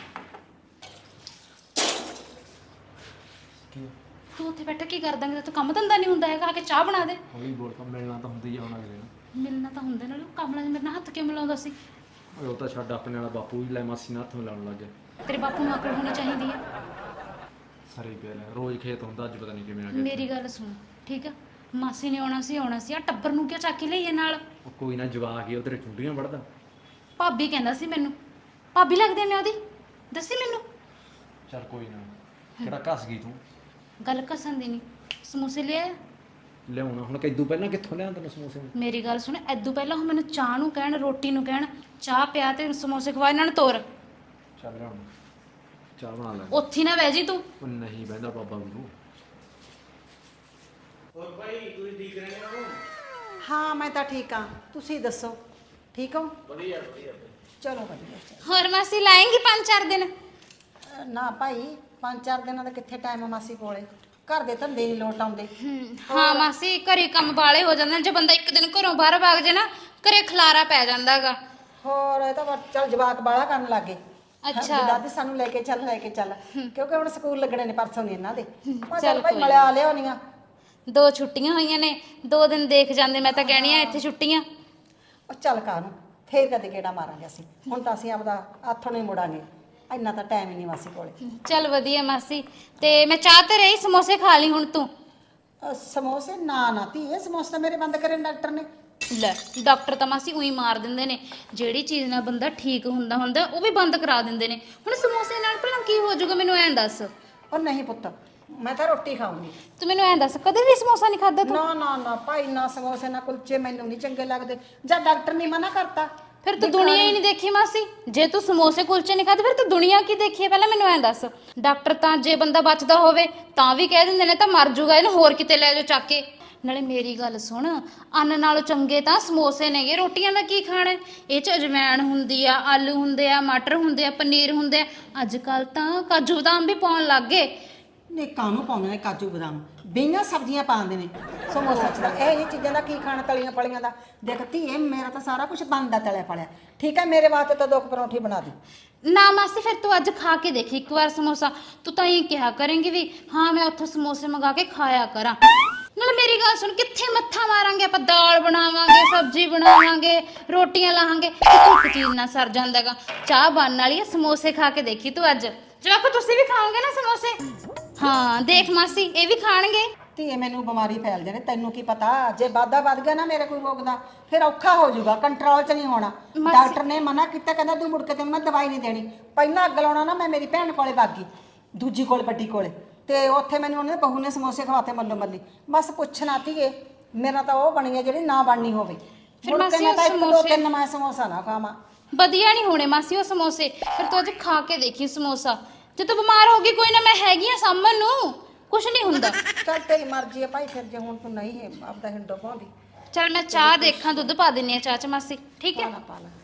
A: तू उत्थे बैठा की कर दांगे? तू काम धंधा नहीं हुंदा हैगा, आके चाह बना दे।
F: ਹੌਲੀ ਬੋਲ, ਤਾਂ ਮਿਲਣਾ ਤਾਂ ਹੁੰਦਾ ਹੀ ਆ ਹੁਣ ਅਗਲੇ ਨੂੰ।
A: मिलना तो हुंदा ना, कमला जी मेरे नाल हत्थ क्यों मिलाउंदा सी?
F: ਓਏ ਉਹ ਤਾਂ ਛੱਡ, ਆਪਣੇ ਵਾਲਾ ਬਾਪੂ ਵੀ ਲੈ ਮਾਸੀ ਨਾਲ ਹੱਥ ਮਿਲਾਉਣ ਲੱਗ ਗਿਆ।
A: तेरे बापू नूं अकल होनी चाहिदी है।
F: ਸਾਰੇ ਹੀ ਪਿਆ ਲੈ, ਰੋਜ਼ ਖੇਤ ਹੁੰਦਾ, ਅੱਜ ਪਤਾ ਨਹੀਂ ਕਿਵੇਂ ਆ ਗਿਆ।
A: मेरी गल सुन, ठीक है? ਮਾਸੀ ਨੇ ਆਉਣਾ ਸੀ ਆ ਟੱਬਰ ਨੂੰ ਕਿਉਂ ਚੱਕ ਕੇ ਲਈਏ ਨਾਲ?
F: ਉਹ ਕੋਈ ਨਾ ਜਵਾਕ ਹੀ ਉਹ ਤੇਰੇ ਚੁੰਡੀਆਂ ਵੜਦਾ।
A: ਭਾਬੀ ਕਹਿੰਦਾ ਸੀ ਮੈਨੂੰ, ਭਾਬੀ ਲੱਗਦੀ ਆ ਮੈਂ ਉਹਦੀ, ਦੱਸੀ ਮੈਨੂੰ।
F: ਚੱਲ ਕੋਈ ਨਾ, ਕਿਹੜਾ ਘਸ ਗਈ ਤੂੰ?
A: ਗੱਲ ਕਸਣ ਦੀ ਨਹੀਂ, ਸਮੋਸੇ ਲਿਆ।
F: ਲਿਆਉਣਾ ਹੁਣ ਕਿਦੋਂ ਪਹਿਲਾਂ ਕਿੱਥੋਂ ਲਿਆਉਂ ਤੈਨੂੰ ਸਮੋਸੇ?
A: ਮੇਰੀ ਗੱਲ ਸੁਣ, ਐਦੋਂ ਪਹਿਲਾਂ ਉਹ ਮੈਨੂੰ ਚਾਹ ਨੂੰ ਕਹਿਣ, ਰੋਟੀ ਨੂੰ ਕਹਿਣ, ਚਾਹ ਪਿਆ ਤੇ ਸਮੋਸੇ ਖਵਾ, ਇਹਨਾਂ ਨੂੰ ਤੋਰ।
F: ਚੱਲ ਲਿਆਉਣਾ, ਚਾਹ ਬਣਾ ਲੈ।
A: ਉੱਥੇ ਨਾ ਬਹਿ ਜੀ ਤੂੰ।
F: ਉਹ ਨਹੀਂ ਬਹਿੰਦਾ ਬਾਬਾ ਮੈਨੂੰ।
E: ਹੋਰ ਭਾਈ ਤੁਸੀਂ ਠੀਕ ਰਹਿੰਦੇ ਹੋ?
D: ਹਾਂ ਮੈਂ ਤਾਂ ਠੀਕ ਹਾਂ, ਤੁਸੀਂ ਦੱਸੋ ਠੀਕ ਹੋ?
E: ਵਧੀਆ ਵਧੀਆ।
D: ਚਲੋ ਵਧੀਆ।
A: ਹੋਰ ਮਾਸੀ ਲਾਏਂਗੀ 5-4 ਦਿਨ?
D: ਨਾ ਭਾਈ 5-4 ਦਿਨਾਂ ਦਾ ਕਿੱਥੇ ਟਾਈਮ ਮਾਸੀ ਕੋਲੇ, ਘਰ ਦੇ ਧੰਦੇ ਨਹੀਂ ਲੋਟ ਆਉਂਦੇ।
A: ਹਾਂ ਮਾਸੀ, ਘਰੇ ਕੰਮ ਵਾਲੇ ਹੋ ਜਾਂਦੇ ਨੇ, ਜੇ ਬੰਦਾ ਇੱਕ ਦਿਨ ਘਰੋਂ ਬਾਹਰ ਭਾਗ ਜੇ ਨਾ, ਘਰੇ ਖਲਾਰਾ ਪੈ ਜਾਂਦਾਗਾ।
D: ਹੋਰ ਇਹ ਤਾਂ ਬਸ ਚੱਲ ਜਵਾਕ ਬਾਹਲਾ ਕਰਨ ਲੱਗੇ।
A: ਅੱਛਾ।
D: ਦਾਦੀ ਸਾਨੂੰ ਲੈ ਕੇ ਚੱਲ ਕਿਉਂਕਿ ਹੁਣ ਸਕੂਲ ਲੱਗਣੇ ਨੇ ਪਰਸੋਂ ਨਹੀਂ ਇਹਨਾਂ ਦੇ। ਮੈਂ ਚੱਲ ਭਾਈ ਮਲਿਆ ਲਿਆਉਣੀਆਂ।
A: 2 ਛੁੱਟੀਆਂ ਹੋਈਆਂ ਨੇ, 2 ਦਿਨ ਦੇਖ ਜਾਂਦੇ। ਮੈਂ ਤਾਂ ਕਹਿਣੀ ਆ ਇੱਥੇ ਛੁੱਟੀਆਂ।
D: ਉਹ ਚੱਲ ਕਾਹਨੂੰ, ਫੇਰ ਕਦੇ ਕਿਹੜਾ ਮਾਰਾਂਗੇ ਅਸੀਂ, ਹੁਣ ਤਾਂ ਅਸੀਂ ਆਪਦਾ ਹੱਥੋਂ ਨਹੀਂ ਮੁੜਾਂਗੇ, ਇੰਨਾ ਤਾਂ ਟਾਈਮ ਹੀ ਨਹੀਂ ਮਾਸੀ ਕੋਲੇ।
A: ਚੱਲ ਵਧੀਆ ਮਾਸੀ, ਤੇ ਮੈਂ ਚਾਹ ਤੇ ਰਹੀ, ਸਮੋਸੇ ਖਾ ਲਈ ਹੁਣ ਤੂੰ।
D: ਸਮੋਸੇ ਨਾ ਧੀਏ, ਸਮੋਸੇ ਤਾਂ ਮੇਰੇ ਬੰਦ ਕਰੇ ਨੇ ਡਾਕਟਰ ਨੇ।
A: ਲੈ ਡਾਕਟਰ ਤਾਂ ਮਾਸੀ ਉਹੀ ਮਾਰ ਦਿੰਦੇ ਨੇ, ਜਿਹੜੀ ਚੀਜ਼ ਨਾਲ ਬੰਦਾ ਠੀਕ ਹੁੰਦਾ ਉਹ ਵੀ ਬੰਦ ਕਰਾ ਦਿੰਦੇ ਨੇ। ਹੁਣ ਸਮੋਸੇ ਨਾਲ ਭਲਾ ਕੀ ਹੋ ਜਾਊਗਾ, ਮੈਨੂੰ ਐਂ ਦੱਸ।
D: ਉਹ ਨਹੀਂ ਪੁੱਤ, ਮੈਂ ਤਾਂ ਰੋਟੀ ਖਾਊਂਗੀ।
A: ਤੂੰ ਮੈਨੂੰ ਐਂ ਦੱਸ, ਕਦੇ ਵੀ ਸਮੋਸਾ ਨਹੀਂ ਖਾਦਾ ਤੂੰ?
D: ਨਾ ਭਾਈ, ਨਾ ਸਮੋਸੇ ਨਾ ਕੁਲਚੇ ਮੈਨੂੰ ਨਹੀਂ ਚੰਗੇ ਲੱਗਦੇ, ਜਾਂ ਡਾਕਟਰ ਨੇ ਮਨਾ ਕਰਤਾ।
A: ਫਿਰ ਤੂੰ ਦੁਨੀਆ ਹੀ ਨਹੀਂ ਦੇਖੀ ਮਾਸੀ। ਜੇ ਤੂੰ ਸਮੋਸੇ ਕੁਲਚੇ ਨਹੀਂ ਖਾਦੇ, ਫਿਰ ਤੂੰ ਦੁਨੀਆ ਕੀ ਦੇਖੀ ਹੈ? ਪਹਿਲਾਂ ਮੈਨੂੰ ਐਂ ਦੱਸ। ਡਾਕਟਰ ਤਾਂ ਜੇ ਬੰਦਾ ਬਚਦਾ ਹੋਵੇ ਤਾਂ ਵੀ ਕਹਿ ਦਿੰਦੇ ਨੇ ਤਾਂ ਮਰ ਜੂਗਾ, ਇਹਨੂੰ ਹੋਰ ਕਿਤੇ ਲੈ ਜਾਓ ਚੱਕ ਕੇ। ਨਾਲੇ ਮੇਰੀ ਗੱਲ ਸੁਣ, ਅੰਨ ਨਾਲੋਂ ਚੰਗੇ ਤਾਂ ਸਮੋਸੇ ਨੇਗੇ। ਰੋਟੀਆਂ ਦਾ ਕੀ ਖਾਣਾ? ਇਹ ਚ ਅਜਵਾਇਣ ਹੁੰਦੀ ਆ, ਆਲੂ ਹੁੰਦੇ ਆ, ਮਟਰ ਹੁੰਦੇ ਆ, ਪਨੀਰ ਹੁੰਦੇ ਆ, ਅੱਜ ਕੱਲ ਤਾਂ ਕਾਜੂ ਬਦਾਮ ਵੀ ਪਾਉਣ ਲੱਗ ਗਏ।
D: ਨੇ ਕਾਹਨੂੰ ਪਾਉਂਦੇ ਨੇ ਕਾਜੂ ਬਦਾਮ, ਬਈਆਂ ਸਬਜ਼ੀਆਂ ਪਾਉਂਦੇ ਨੇ ਸਮੋਸਾ ਚ। ਇਹ ਨਹੀਂ ਚੀਜ਼ਾਂ ਦਾ ਕੀ ਖਾਣਾ, ਤਲੀਆਂ ਫਲੀਆਂ ਦਾ। ਦੇਖ ਧੀਏ, ਮੇਰਾ ਤਾਂ ਸਾਰਾ ਕੁਝ ਬਣਦਾ ਤਲਿਆ ਫਲਿਆ, ਠੀਕ ਹੈ? ਮੇਰੇ ਵਾਸਤੇ ਤਾਂ 2 ਪਰੌਂਠੀ ਬਣਾ ਦੇ।
A: ਨਾ ਮਾਸੀ, ਫਿਰ ਤੂੰ ਅੱਜ ਖਾ ਕੇ ਦੇਖੀ ਇੱਕ ਵਾਰ ਸਮੋਸਾ। ਤੂੰ ਤਾਂ ਇਹ ਕਿਹਾ ਕਰੇਂਗੀ ਵੀ ਹਾਂ ਮੈਂ ਉੱਥੋਂ ਸਮੋਸੇ ਮੰਗਾ ਕੇ ਖਾਇਆ ਕਰਾਂ। ਨਾਲ ਮੇਰੀ ਗੱਲ ਸੁਣ, ਕਿੱਥੇ ਮੱਥਾ ਮਾਰਾਂਗੇ ਆਪਾਂ? ਦਾਲ ਬਣਾਵਾਂਗੇ, ਸਬਜ਼ੀ ਬਣਾਵਾਂਗੇ, ਰੋਟੀਆਂ ਲਾਹਾਂਗੇ, ਇੱਕ ਚੀਜ਼ ਨਾਲ ਸਰ ਜਾਂਦਾਗਾ। ਚਾਹ ਬਣਨ ਵਾਲੀ ਹੈ, ਸਮੋਸੇ ਖਾ ਕੇ ਦੇਖੀ ਤੂੰ ਅੱਜ। ਜਵਾਕੋ ਤੁਸੀਂ ਵੀ ਖਾਓਗੇ ਨਾ ਸਮੋਸੇ? ਹਾਂ ਦੇਖ ਮਾਸੀ, ਇਹ ਵੀ ਖਾਣਗੇ।
D: ਧੀਏ ਮੈਨੂੰ ਬਿਮਾਰੀ ਫੈਲ ਜਾਣੀ, ਤੈਨੂੰ ਕੀ ਪਤਾ? ਜੇ ਵਾਧਾ ਵੱਧ ਗਿਆ ਨਾ ਮੇਰੇ ਕੋਈ ਰੋਗ ਦਾ, ਫਿਰ ਔਖਾ ਹੋ ਜਾਊਗਾ, ਕੰਟਰੋਲ 'ਚ ਨਹੀਂ ਹੋਣਾ। ਡਾਕਟਰ ਨੇ ਮਨਾ ਕੀਤਾ, ਕਹਿੰਦਾ ਤੂੰ ਮੁੜ ਕੇ ਤੈਨੂੰ ਮੈਂ ਦਵਾਈ ਨਹੀਂ ਦੇਣੀ। ਪਹਿਲਾਂ ਅੱਗ ਲਾਉਣਾ ਨਾ, ਮੈਂ ਮੇਰੀ ਭੈਣ ਕੋਲੇ ਵਗ ਗਈ, ਦੂਜੀ ਕੋਲ, ਵੱਡੀ ਕੋਲੇ, ਤੇ ਉੱਥੇ ਮੈਨੂੰ ਉਹਨੇ ਬਹੂ ਨੇ ਸਮੋਸੇ ਖਵਾਤੇ ਮੱਲੋ ਮੱਲੀ। ਬਸ ਪੁੱਛਣਾ ਧੀਏ, ਮੇਰਾ ਤਾਂ ਉਹ ਬਣੀ ਹੈ ਜਿਹੜੀ ਨਾ ਬਣਨੀ ਹੋਵੇ।
A: ਫਿਰ
D: ਮੁੜ ਕੇ ਮੈਂ ਤਾਂ 1-2-3 ਮੈਂ ਸਮੋਸਾ ਨਾ ਖਾਵਾਂ।
A: ਵਧੀਆ ਨਹੀਂ ਹੋਣੇ ਮਾਸੀ ਉਹ ਸਮੋਸੇ। ਫਿਰ ਤੂੰ ਅੱਜ ਖਾ ਕੇ ਦੇਖੀ ਸਮੋਸਾ। ਜੇ ਤੂੰ ਬਿਮਾਰ ਹੋ ਗਈ, ਕੋਈ ਨਾ, ਮੈਂ ਹੈਗੀ ਆ ਸਾਂਭਣ ਨੂੰ, ਕੁਛ ਨਹੀਂ ਹੁੰਦਾ।
D: ਚੱਲ ਤੇਰੀ ਮਰਜ਼ੀ ਹੈ ਭਾਈ, ਫਿਰ ਜੇ ਹੁਣ ਤੂੰ ਨਹੀਂ ਹੈ ਆਪਦਾ ਹਿੰਡੋ ਪਾਉਂਦੀ।
A: ਚੱਲ ਮੈਂ ਚਾਹ ਦੇਖਾਂ, ਦੁੱਧ ਪਾ ਦਿੰਨੀ ਆ ਚਾਹ 'ਚ ਮਾਸੀ, ਠੀਕ ਹੈ?
D: ਪਾ ਲਾ।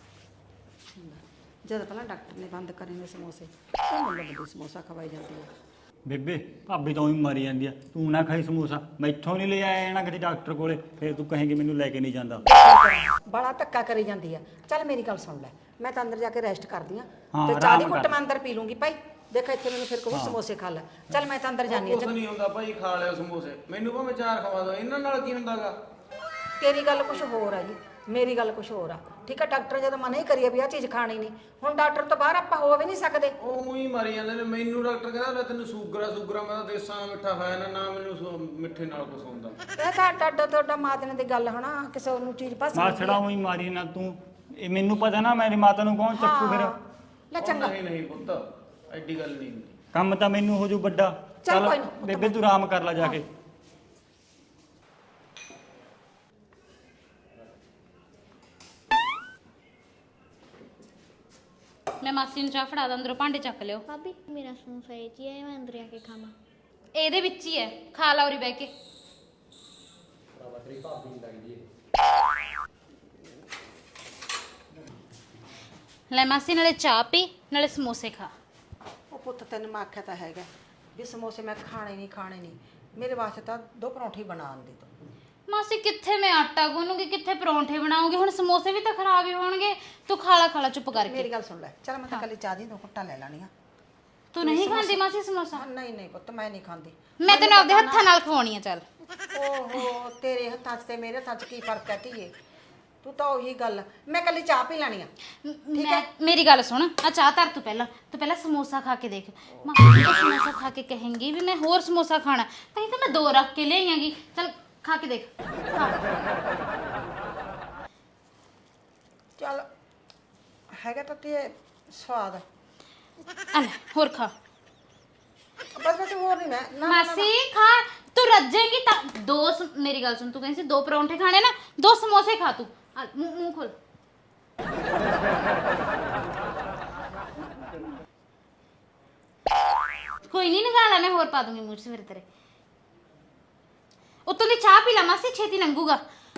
D: ਜਦ ਪਹਿਲਾਂ ਡਾਕਟਰ ਨੇ ਬੰਦ ਕਰੇ ਨੇ ਸਮੋਸੇ, ਤਾਂ ਮੈਨੂੰ ਵੱਡੀ ਸਮੋਸਾ ਖਵਾਈ ਜਾਂਦੀ ਹੈ।
B: ਬੇਬੇ ਭਾਬੀ ਤਾਂ ਉਹੀ ਮਾਰੀ ਜਾਂਦੀ ਆ, ਤੂੰ ਨਾ ਖਾਈ ਸਮੋਸਾ, ਮੈਥੋਂ ਨਹੀਂ ਲੈ ਆਇਆ ਨਾ ਕਿਤੇ ਡਾਕਟਰ ਕੋਲੇ, ਫਿਰ ਤੂੰ ਕਹੇਂਗੀ ਮੈਨੂੰ ਲੈ ਕੇ ਨਹੀਂ ਜਾਂਦਾ।
D: ਬੜਾ ਧੱਕਾ ਕਰੀ ਜਾਂਦੀ ਆ। ਚੱਲ ਮੇਰੀ ਗੱਲ ਸੁਣ ਲੈ, ਮੈਂ ਤਾਂ ਅੰਦਰ ਜਾ ਕੇ ਰੈਸਟ ਕਰਦੀ ਆ,
B: ਹਾਂ,
D: ਤੇ ਚਾਹ ਦੀ
B: ਆਰਾਮ
D: ਘੁੱਟ
B: ਕਰ।
D: ਮੈਂ ਅੰਦਰ ਪੀ ਲੂੰਗੀ ਭਾਈ। ਦੇਖ ਇੱਥੇ ਮੈਨੂੰ ਫਿਰ ਕੋਈ ਸਮੋਸੇ ਖਾ ਲੈ। ਚੱਲ ਮੈਂ ਤਾਂ ਅੰਦਰ ਜਾਨੀ ਆ।
E: ਕੁਛ ਨਹੀਂ ਹੁੰਦਾ ਭਾਈ, ਖਾ ਲਿਓ ਸਮੋਸੇ, ਮੈਨੂੰ ਭਾਵੇਂ 4 ਖਵਾ ਦਿਓ, ਇਹਨਾਂ ਨਾਲ ਕੀ ਹੁੰਦਾਗਾ?
D: ਤੇਰੀ ਗੱਲ ਕੁਝ ਹੋਰ ਆ ਜੀ, ਮੇਰੀ ਗੱਲ ਕੁਝ ਹੋਰ ਆ, ਠੀਕ ਆ? ਡਾਕਟਰ ਜਦੋਂ ਮਨਾ ਹੀ ਕਰੀਏ ਵੀ ਆਹ ਚੀਜ਼ ਖਾਣੀ ਨਹੀਂ, ਹੁਣ ਡਾਕਟਰ ਤੋਂ ਬਾਹਰ ਆਪਾਂ ਹੋ ਵੀ ਨਹੀਂ ਸਕਦੇ।
E: ਉਹ ਹੀ ਮਾਰੀ ਜਾਂਦੇ ਨੇ ਮੈਨੂੰ। ਡਾਕਟਰ ਕਹਿੰਦਾ ਲੈ ਤੈਨੂੰ ਸ਼ੂਗਰ ਆ, ਮੈਂ ਤਾਂ ਦੇਸਾਂ ਮਿੱਠਾ ਖਾਇਆ ਨਾ ਮੈਨੂੰ ਮਿੱਠੇ ਨਾਲ ਕੁਛ ਹੁੰਦਾ।
D: ਇਹ ਤਾਂ ਤੁਹਾਡਾ ਮਾਤਨੇ ਦੀ ਗੱਲ ਹਨਾ, ਕਿਸੇ ਨੂੰ ਚੀਜ਼ ਪਸੰਦ
B: ਮਾਛੜਾ ਉਹੀ ਮਾਰੀ ਨਾ ਤੂੰ, ਇਹ ਮੈਨੂੰ ਪਤਾ ਨਾ ਮੇਰੀ ਮਾਤਾ ਨੂੰ ਕੌਣ ਚੱਕੂ ਫਿਰ।
D: ਲੈ ਚੰਗਾ,
E: ਨਹੀਂ ਪੁੱਤ, ਐਡੀ ਗੱਲ ਨਹੀਂ ਹੁੰਦੀ।
B: ਕੰਮ ਤਾਂ ਮੈਨੂੰ ਹੋ ਜੂ ਵੱਡਾ।
D: ਚੱਲ ਕੋਈ ਨਾ,
B: ਬੇਬੇ ਤੂੰ ਆਰਾਮ ਕਰ ਲੈ ਜਾ ਕੇ।
A: ਮੈਂ ਮਾਸੀ ਨੂੰ ਚਾਹ ਫੜਾ ਦਾਂ, ਅੰਦਰੋਂ ਭਾਂਡੇ ਚੱਕ ਲਿਓ।
G: ਭਾਬੀ ਮੇਰਾ ਸਮੋਸਾ ਇਹ 'ਚ ਹੀ ਹੈ, ਮੈਂ ਅੰਦਰ ਆ ਕੇ ਖਾਵਾਂ?
A: ਇਹਦੇ ਵਿੱਚ ਹੀ ਹੈ, ਖਾ ਲਾ ਉਰੀ ਬਹਿ ਕੇ। ਲੈ ਮਾਸੀ, ਨਾਲੇ ਚਾਹ ਪੀ ਨਾਲੇ ਸਮੋਸੇ ਖਾ।
D: ਉਹ ਪੁੱਤ ਤੈਨੂੰ ਮੈਂ ਆਖਿਆ ਤਾਂ ਹੈਗਾ ਵੀ ਸਮੋਸੇ ਮੈਂ ਖਾਣੇ ਨਹੀਂ। ਮੇਰੇ ਵਾਸਤੇ ਤਾਂ 2 ਪਰੌਂਠੀ ਬਣਾਉਣ ਦੀ ਤੂੰ।
A: ਮਾਸੀ ਕਿੱਥੇ ਮੈਂ ਆਟਾ ਗੁੰਨੂਗੀ, ਕਿੱਥੇ ਪਰੌਂਠੇ ਬਣਾਉਂਗੀ? ਹੁਣ ਸਮੋਸੇ ਵੀ ਤਾਂ ਖਰਾਬ ਹੀ ਹੋਣਗੇ। ਤੂੰ ਖਾ ਲਾ ਚੁੱਪ ਕਰਕੇ।
D: ਮੇਰੀ ਗੱਲ ਸੁਣ ਲੈ, ਚੱਲ ਮੈਂ ਤਾਂ ਕੱਲੀ ਚਾਹ ਦੀ 2 ਘੁੱਟਾਂ ਲੈ ਲੈਣੀਆਂ।
A: ਤੂੰ ਨਹੀਂ ਖਾਂਦੀ ਮਾਸੀ ਸਮੋਸਾ?
D: ਨਹੀਂ ਪੁੱਤ, ਮੈਂ ਨਹੀਂ ਖਾਂਦੀ।
A: ਮੈਂ ਤੈਨੂੰ ਆਪਦੇ ਹੱਥਾਂ ਨਾਲ ਖਵਾਉਣੀ ਆ। ਚੱਲ
D: ਓਹੋ, ਤੇਰੇ ਹੱਥਾਂ 'ਚ ਤੇ ਮੇਰੇ ਹੱਥਾਂ 'ਚ ਕੀ ਫਰਕ ਹੈ ਧੀਏ? ਤੂੰ ਤਾਂ ਉਹੀ ਗੱਲ, ਮੈਂ ਕੱਲੀ ਚਾਹ ਪੀ ਲੈਣੀ ਆ।
A: ਮੇਰੀ ਗੱਲ ਸੁਣ, ਆ ਚਾਹ ਧਰ। ਤੂੰ ਪਹਿਲਾਂ ਸਮੋਸਾ ਖਾ ਕੇ ਦੇਖ। ਮਾਸੀ ਤੂੰ ਸਮੋਸਾ ਖਾ ਕੇ ਕਹੇਂਗੀ ਵੀ ਮੈਂ ਹੋਰ ਸਮੋਸਾ ਖਾਣਾ, ਤਾਂ ਹੀ ਤਾਂ ਮੈਂ 2 ਰੱਖ ਕੇ ਲਿਆਈਆਂਗੀ। ਚੱਲ ਖਾ ਕੇ ਦੇਖ ਖਾ।
D: ਚੱਲ ਹੈਗਾ ਤਾਂ ਤੇ ਸਵਾਦ।
A: ਆ ਲੈ ਹੋਰ ਖਾ।
D: ਬਸ ਬਸ ਹੋਰ ਨਹੀਂ ਮੈਂ ਨਾ
A: ਮਾਸੀ ਖਾ, ਤੂੰ ਰੱਜੇਂਗੀ ਤਾਂ ਮੇਰੀ ਗੱਲ ਸੁਣ, ਤੂੰ ਕਹਿੰਦੀ ਸੀ 2 ਪਰੌਂਠੇ ਖਾਣੇ ਨਾ, 2 ਸਮੋਸੇ ਖਾ ਤੂੰ। ਆ, ਮੂੰਹ ਖੋਲ। ਕੋਈ ਨਹੀਂ ਨਿਕਾਲਾ, ਮੈਂ ਹੋਰ ਪਾ ਦੂੰਗੀ ਮੂੰਹ 'ਚ ਫਿਰ ਤੇਰੇ। ਉੱਤੋਂ ਦੀ ਚਾਹ ਪੀ ਲਾ ਮਾਸੀ, ਛੇਤੀ ਲੰਘੂਗਾ।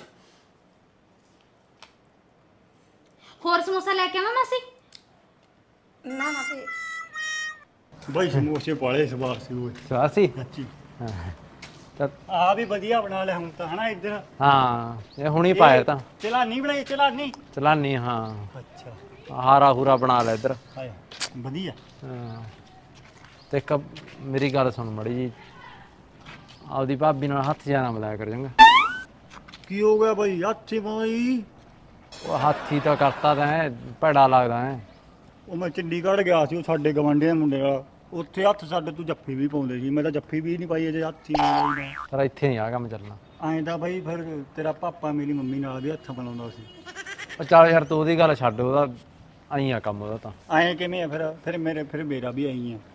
A: ਹੋਰ ਸਮੋਸਾ ਲੈ ਕੇ ਆਵਾਂ ਮਾਸੀ?
D: ਨਾ ਨਾ ਤੇ
B: ਬਈ ਸਮੋਸੇ ਪਾਲੇ ਸਵਾਰ ਸੀ ਓਏ
F: ਸਵਾਸੀ
B: ਸੱਚੀ।
F: ਤਾਂ
B: ਆ ਵੀ ਵਧੀਆ ਬਣਾ ਲਿਆ ਹੁਣ ਤਾਂ ਹਨਾ ਇੱਧਰ।
F: ਹਾਂ ਇਹ ਹੁਣੀ ਪਾਇਆ ਤਾਂ
B: ਚਲਾਨੀ ਬਣਾਈ ਚਲਾਨੀ।
F: ਚਲਾਨੀ ਹਾਂ,
B: ਅੱਛਾ
F: ਹਾਰਾ ਹੂਰਾ ਬਣਾ ਲੈ ਇੱਧਰ।
B: ਹਾਏ ਵਧੀਆ।
F: ਹਾਂ ਤੇ ਇੱਕ ਮੇਰੀ ਗੱਲ ਸੁਣ ਮੜੀ ਜੀ, ਆਪਦੀ ਭਾਬੀ ਨਾਲ ਹੱਥ ਜਾਣਾ ਮਿਲਾਇਆ ਕਰ ਚੰਗਾ।
B: ਕੀ ਹੋ ਗਿਆ ਬਈ ਹੱਥੀ ਬਾਈ?
F: ਉਹ ਹਾਥੀ ਤਾਂ ਕਰਤਾ ਤੈਂ, ਭੈੜਾ ਲੱਗਦਾ ਹੈ।
B: ਉਹ ਮੈਂ ਚੰਡੀਗੜ੍ਹ ਗਿਆ ਸੀ, ਉਹ ਸਾਡੇ ਗਵਾਂਢੀਆਂ ਦੇ ਮੁੰਡੇ ਨਾਲ, ਉੱਥੇ ਹੱਥ ਸਾਡੇ ਤੂੰ ਜੱਫੀ ਵੀ ਪਾਉਂਦੇ ਸੀ, ਮੈਂ ਤਾਂ ਜੱਫੀ ਵੀ ਨਹੀਂ ਪਾਈ ਅਜੇ ਹੱਥੀ ਨਹੀਂ।
F: ਪਰ ਇੱਥੇ ਨਹੀਂ ਆ ਕੰਮ ਚੱਲਣਾ।
B: ਐਂ ਤਾਂ ਬਈ ਫਿਰ ਤੇਰਾ ਪਾਪਾ ਮੇਰੀ ਮੰਮੀ ਨਾਲ ਵੀ ਹੱਥ ਬਣਾਉਂਦਾ ਸੀ।
F: ਉਹ ਚੱਲ ਯਾਰ ਤੂੰ ਉਹਦੀ ਗੱਲ ਛੱਡ, ਉਹਦਾ ਆਈ ਆ ਕੰਮ ਉਹਦਾ ਤਾਂ।
B: ਐਂ ਕਿਵੇਂ ਆ ਫਿਰ ਮੇਰਾ ਵੀ ਆਈ ਆ।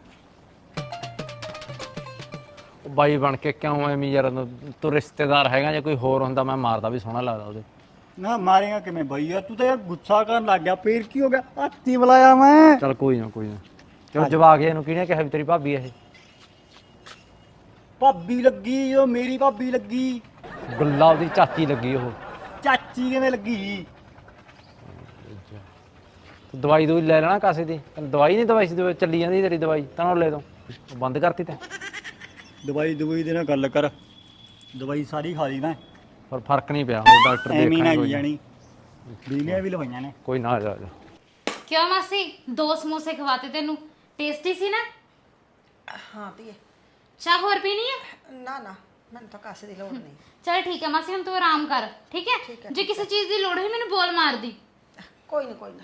F: ਉਹ ਬਾਈ ਬਣ ਕੇ ਕਿਉਂ ਐਵੇਂ ਯਾਰ, ਤੂੰ ਰਿਸ਼ਤੇਦਾਰ ਹੈਗਾ, ਜੇ ਕੋਈ ਹੋਰ ਹੁੰਦਾ ਮੈਂ ਮਾਰਦਾ ਵੀ ਸੋਹਣਾ ਲੱਗਦਾ ਉਹਦੇ।
B: ਨਾ ਮਾਰੇਗਾ ਕਿਵੇਂ ਬਾਈ ਯਾਰ, ਤੂੰ ਤਾਂ ਯਾਰ ਗੁੱਸਾ ਕਰਨ ਲੱਗ ਗਿਆ, ਫੇਰ ਕੀ ਹੋ ਗਿਆ? ਹੱਥੀ ਬੁਲਾਇਆ ਮੈਂ।
F: ਚੱਲ ਕੋਈ ਨਾ ਕੋਈ ਨਾ। ਕਿਉਂ ਜਵਾਕ ਇਹਨੂੰ ਕਿਹਨੇ ਕਿਹਾ ਵੀ ਤੇਰੀ ਭਾਬੀ ਇਹ?
B: ਭਾਬੀ ਲੱਗੀ, ਉਹ ਮੇਰੀ ਭਾਬੀ ਲੱਗੀ।
F: ਗੱਲਾਂ ਉਹਦੀ ਚਾਚੀ ਲੱਗੀ ਉਹ।
B: ਚਾਚੀ ਕਿਵੇਂ ਲੱਗੀ?
F: ਤੂੰ ਦਵਾਈ ਦੂਈ ਲੈ ਲੈਣਾ ਕਾਸੇ ਦੀ। ਤੈਨੂੰ ਦਵਾਈ ਨਹੀਂ ਦਵਾਈ ਸੀ, ਚੱਲੀ ਜਾਂਦੀ ਤੇਰੀ ਦਵਾਈ ਤਨੌਲੇ ਤੋਂ, ਉਹ ਬੰਦ ਕਰਤੀ ਤੈਂ।
B: ਦਵਾਈ ਦੇ ਨਾਲ ਗੱਲ ਕਰ, ਦਵਾਈ ਸਾਰੀ ਖਾ ਲਈ ਮੈਂ,
F: ਪਰ ਫਰਕ ਨਹੀਂ ਪਿਆ, ਉਹ ਡਾਕਟਰ
B: ਐਵੇਂ ਨਾ
F: ਦੇਖਣਾ
B: ਆਈ ਜਾਣੀ। ਬਿਜਲੀਆਂ ਵੀ ਲਵਾਈਆਂ ਨੇ।
F: ਕੋਈ ਨਾ, ਆ ਜਾ ਆ ਜਾ।
A: ਕਿਉਂ ਮਾਸੀ 2 ਸਮੋਸੇ ਖਵਾਤੇ ਤੈਨੂੰ, ਟੇਸਟੀ ਸੀ ਨਾ?
D: ਹਾਂ ਧੀਏ।
A: ਚਾਹ ਹੋਰ ਪੀਣੀ ਹੈ?
D: ਨਾ ਨਾ ਮੈਨੂੰ ਤਾਂ ਕਾਸੇ ਦੀ ਲੋੜ ਨਹੀਂ।
A: ਚਲ ਠੀਕ ਹੈ ਮਾਸੀ, ਹੁਣ ਤੂੰ ਆਰਾਮ ਕਰ, ਠੀਕ ਹੈ? ਜੇ ਕਿਸੇ ਚੀਜ਼ ਦੀ ਲੋੜ ਹੋਈ ਮੈਨੂੰ ਬੋਲ ਮਾਰਦੀ।
D: ਕੋਈ ਨਾ ਕੋਈ ਨਾ।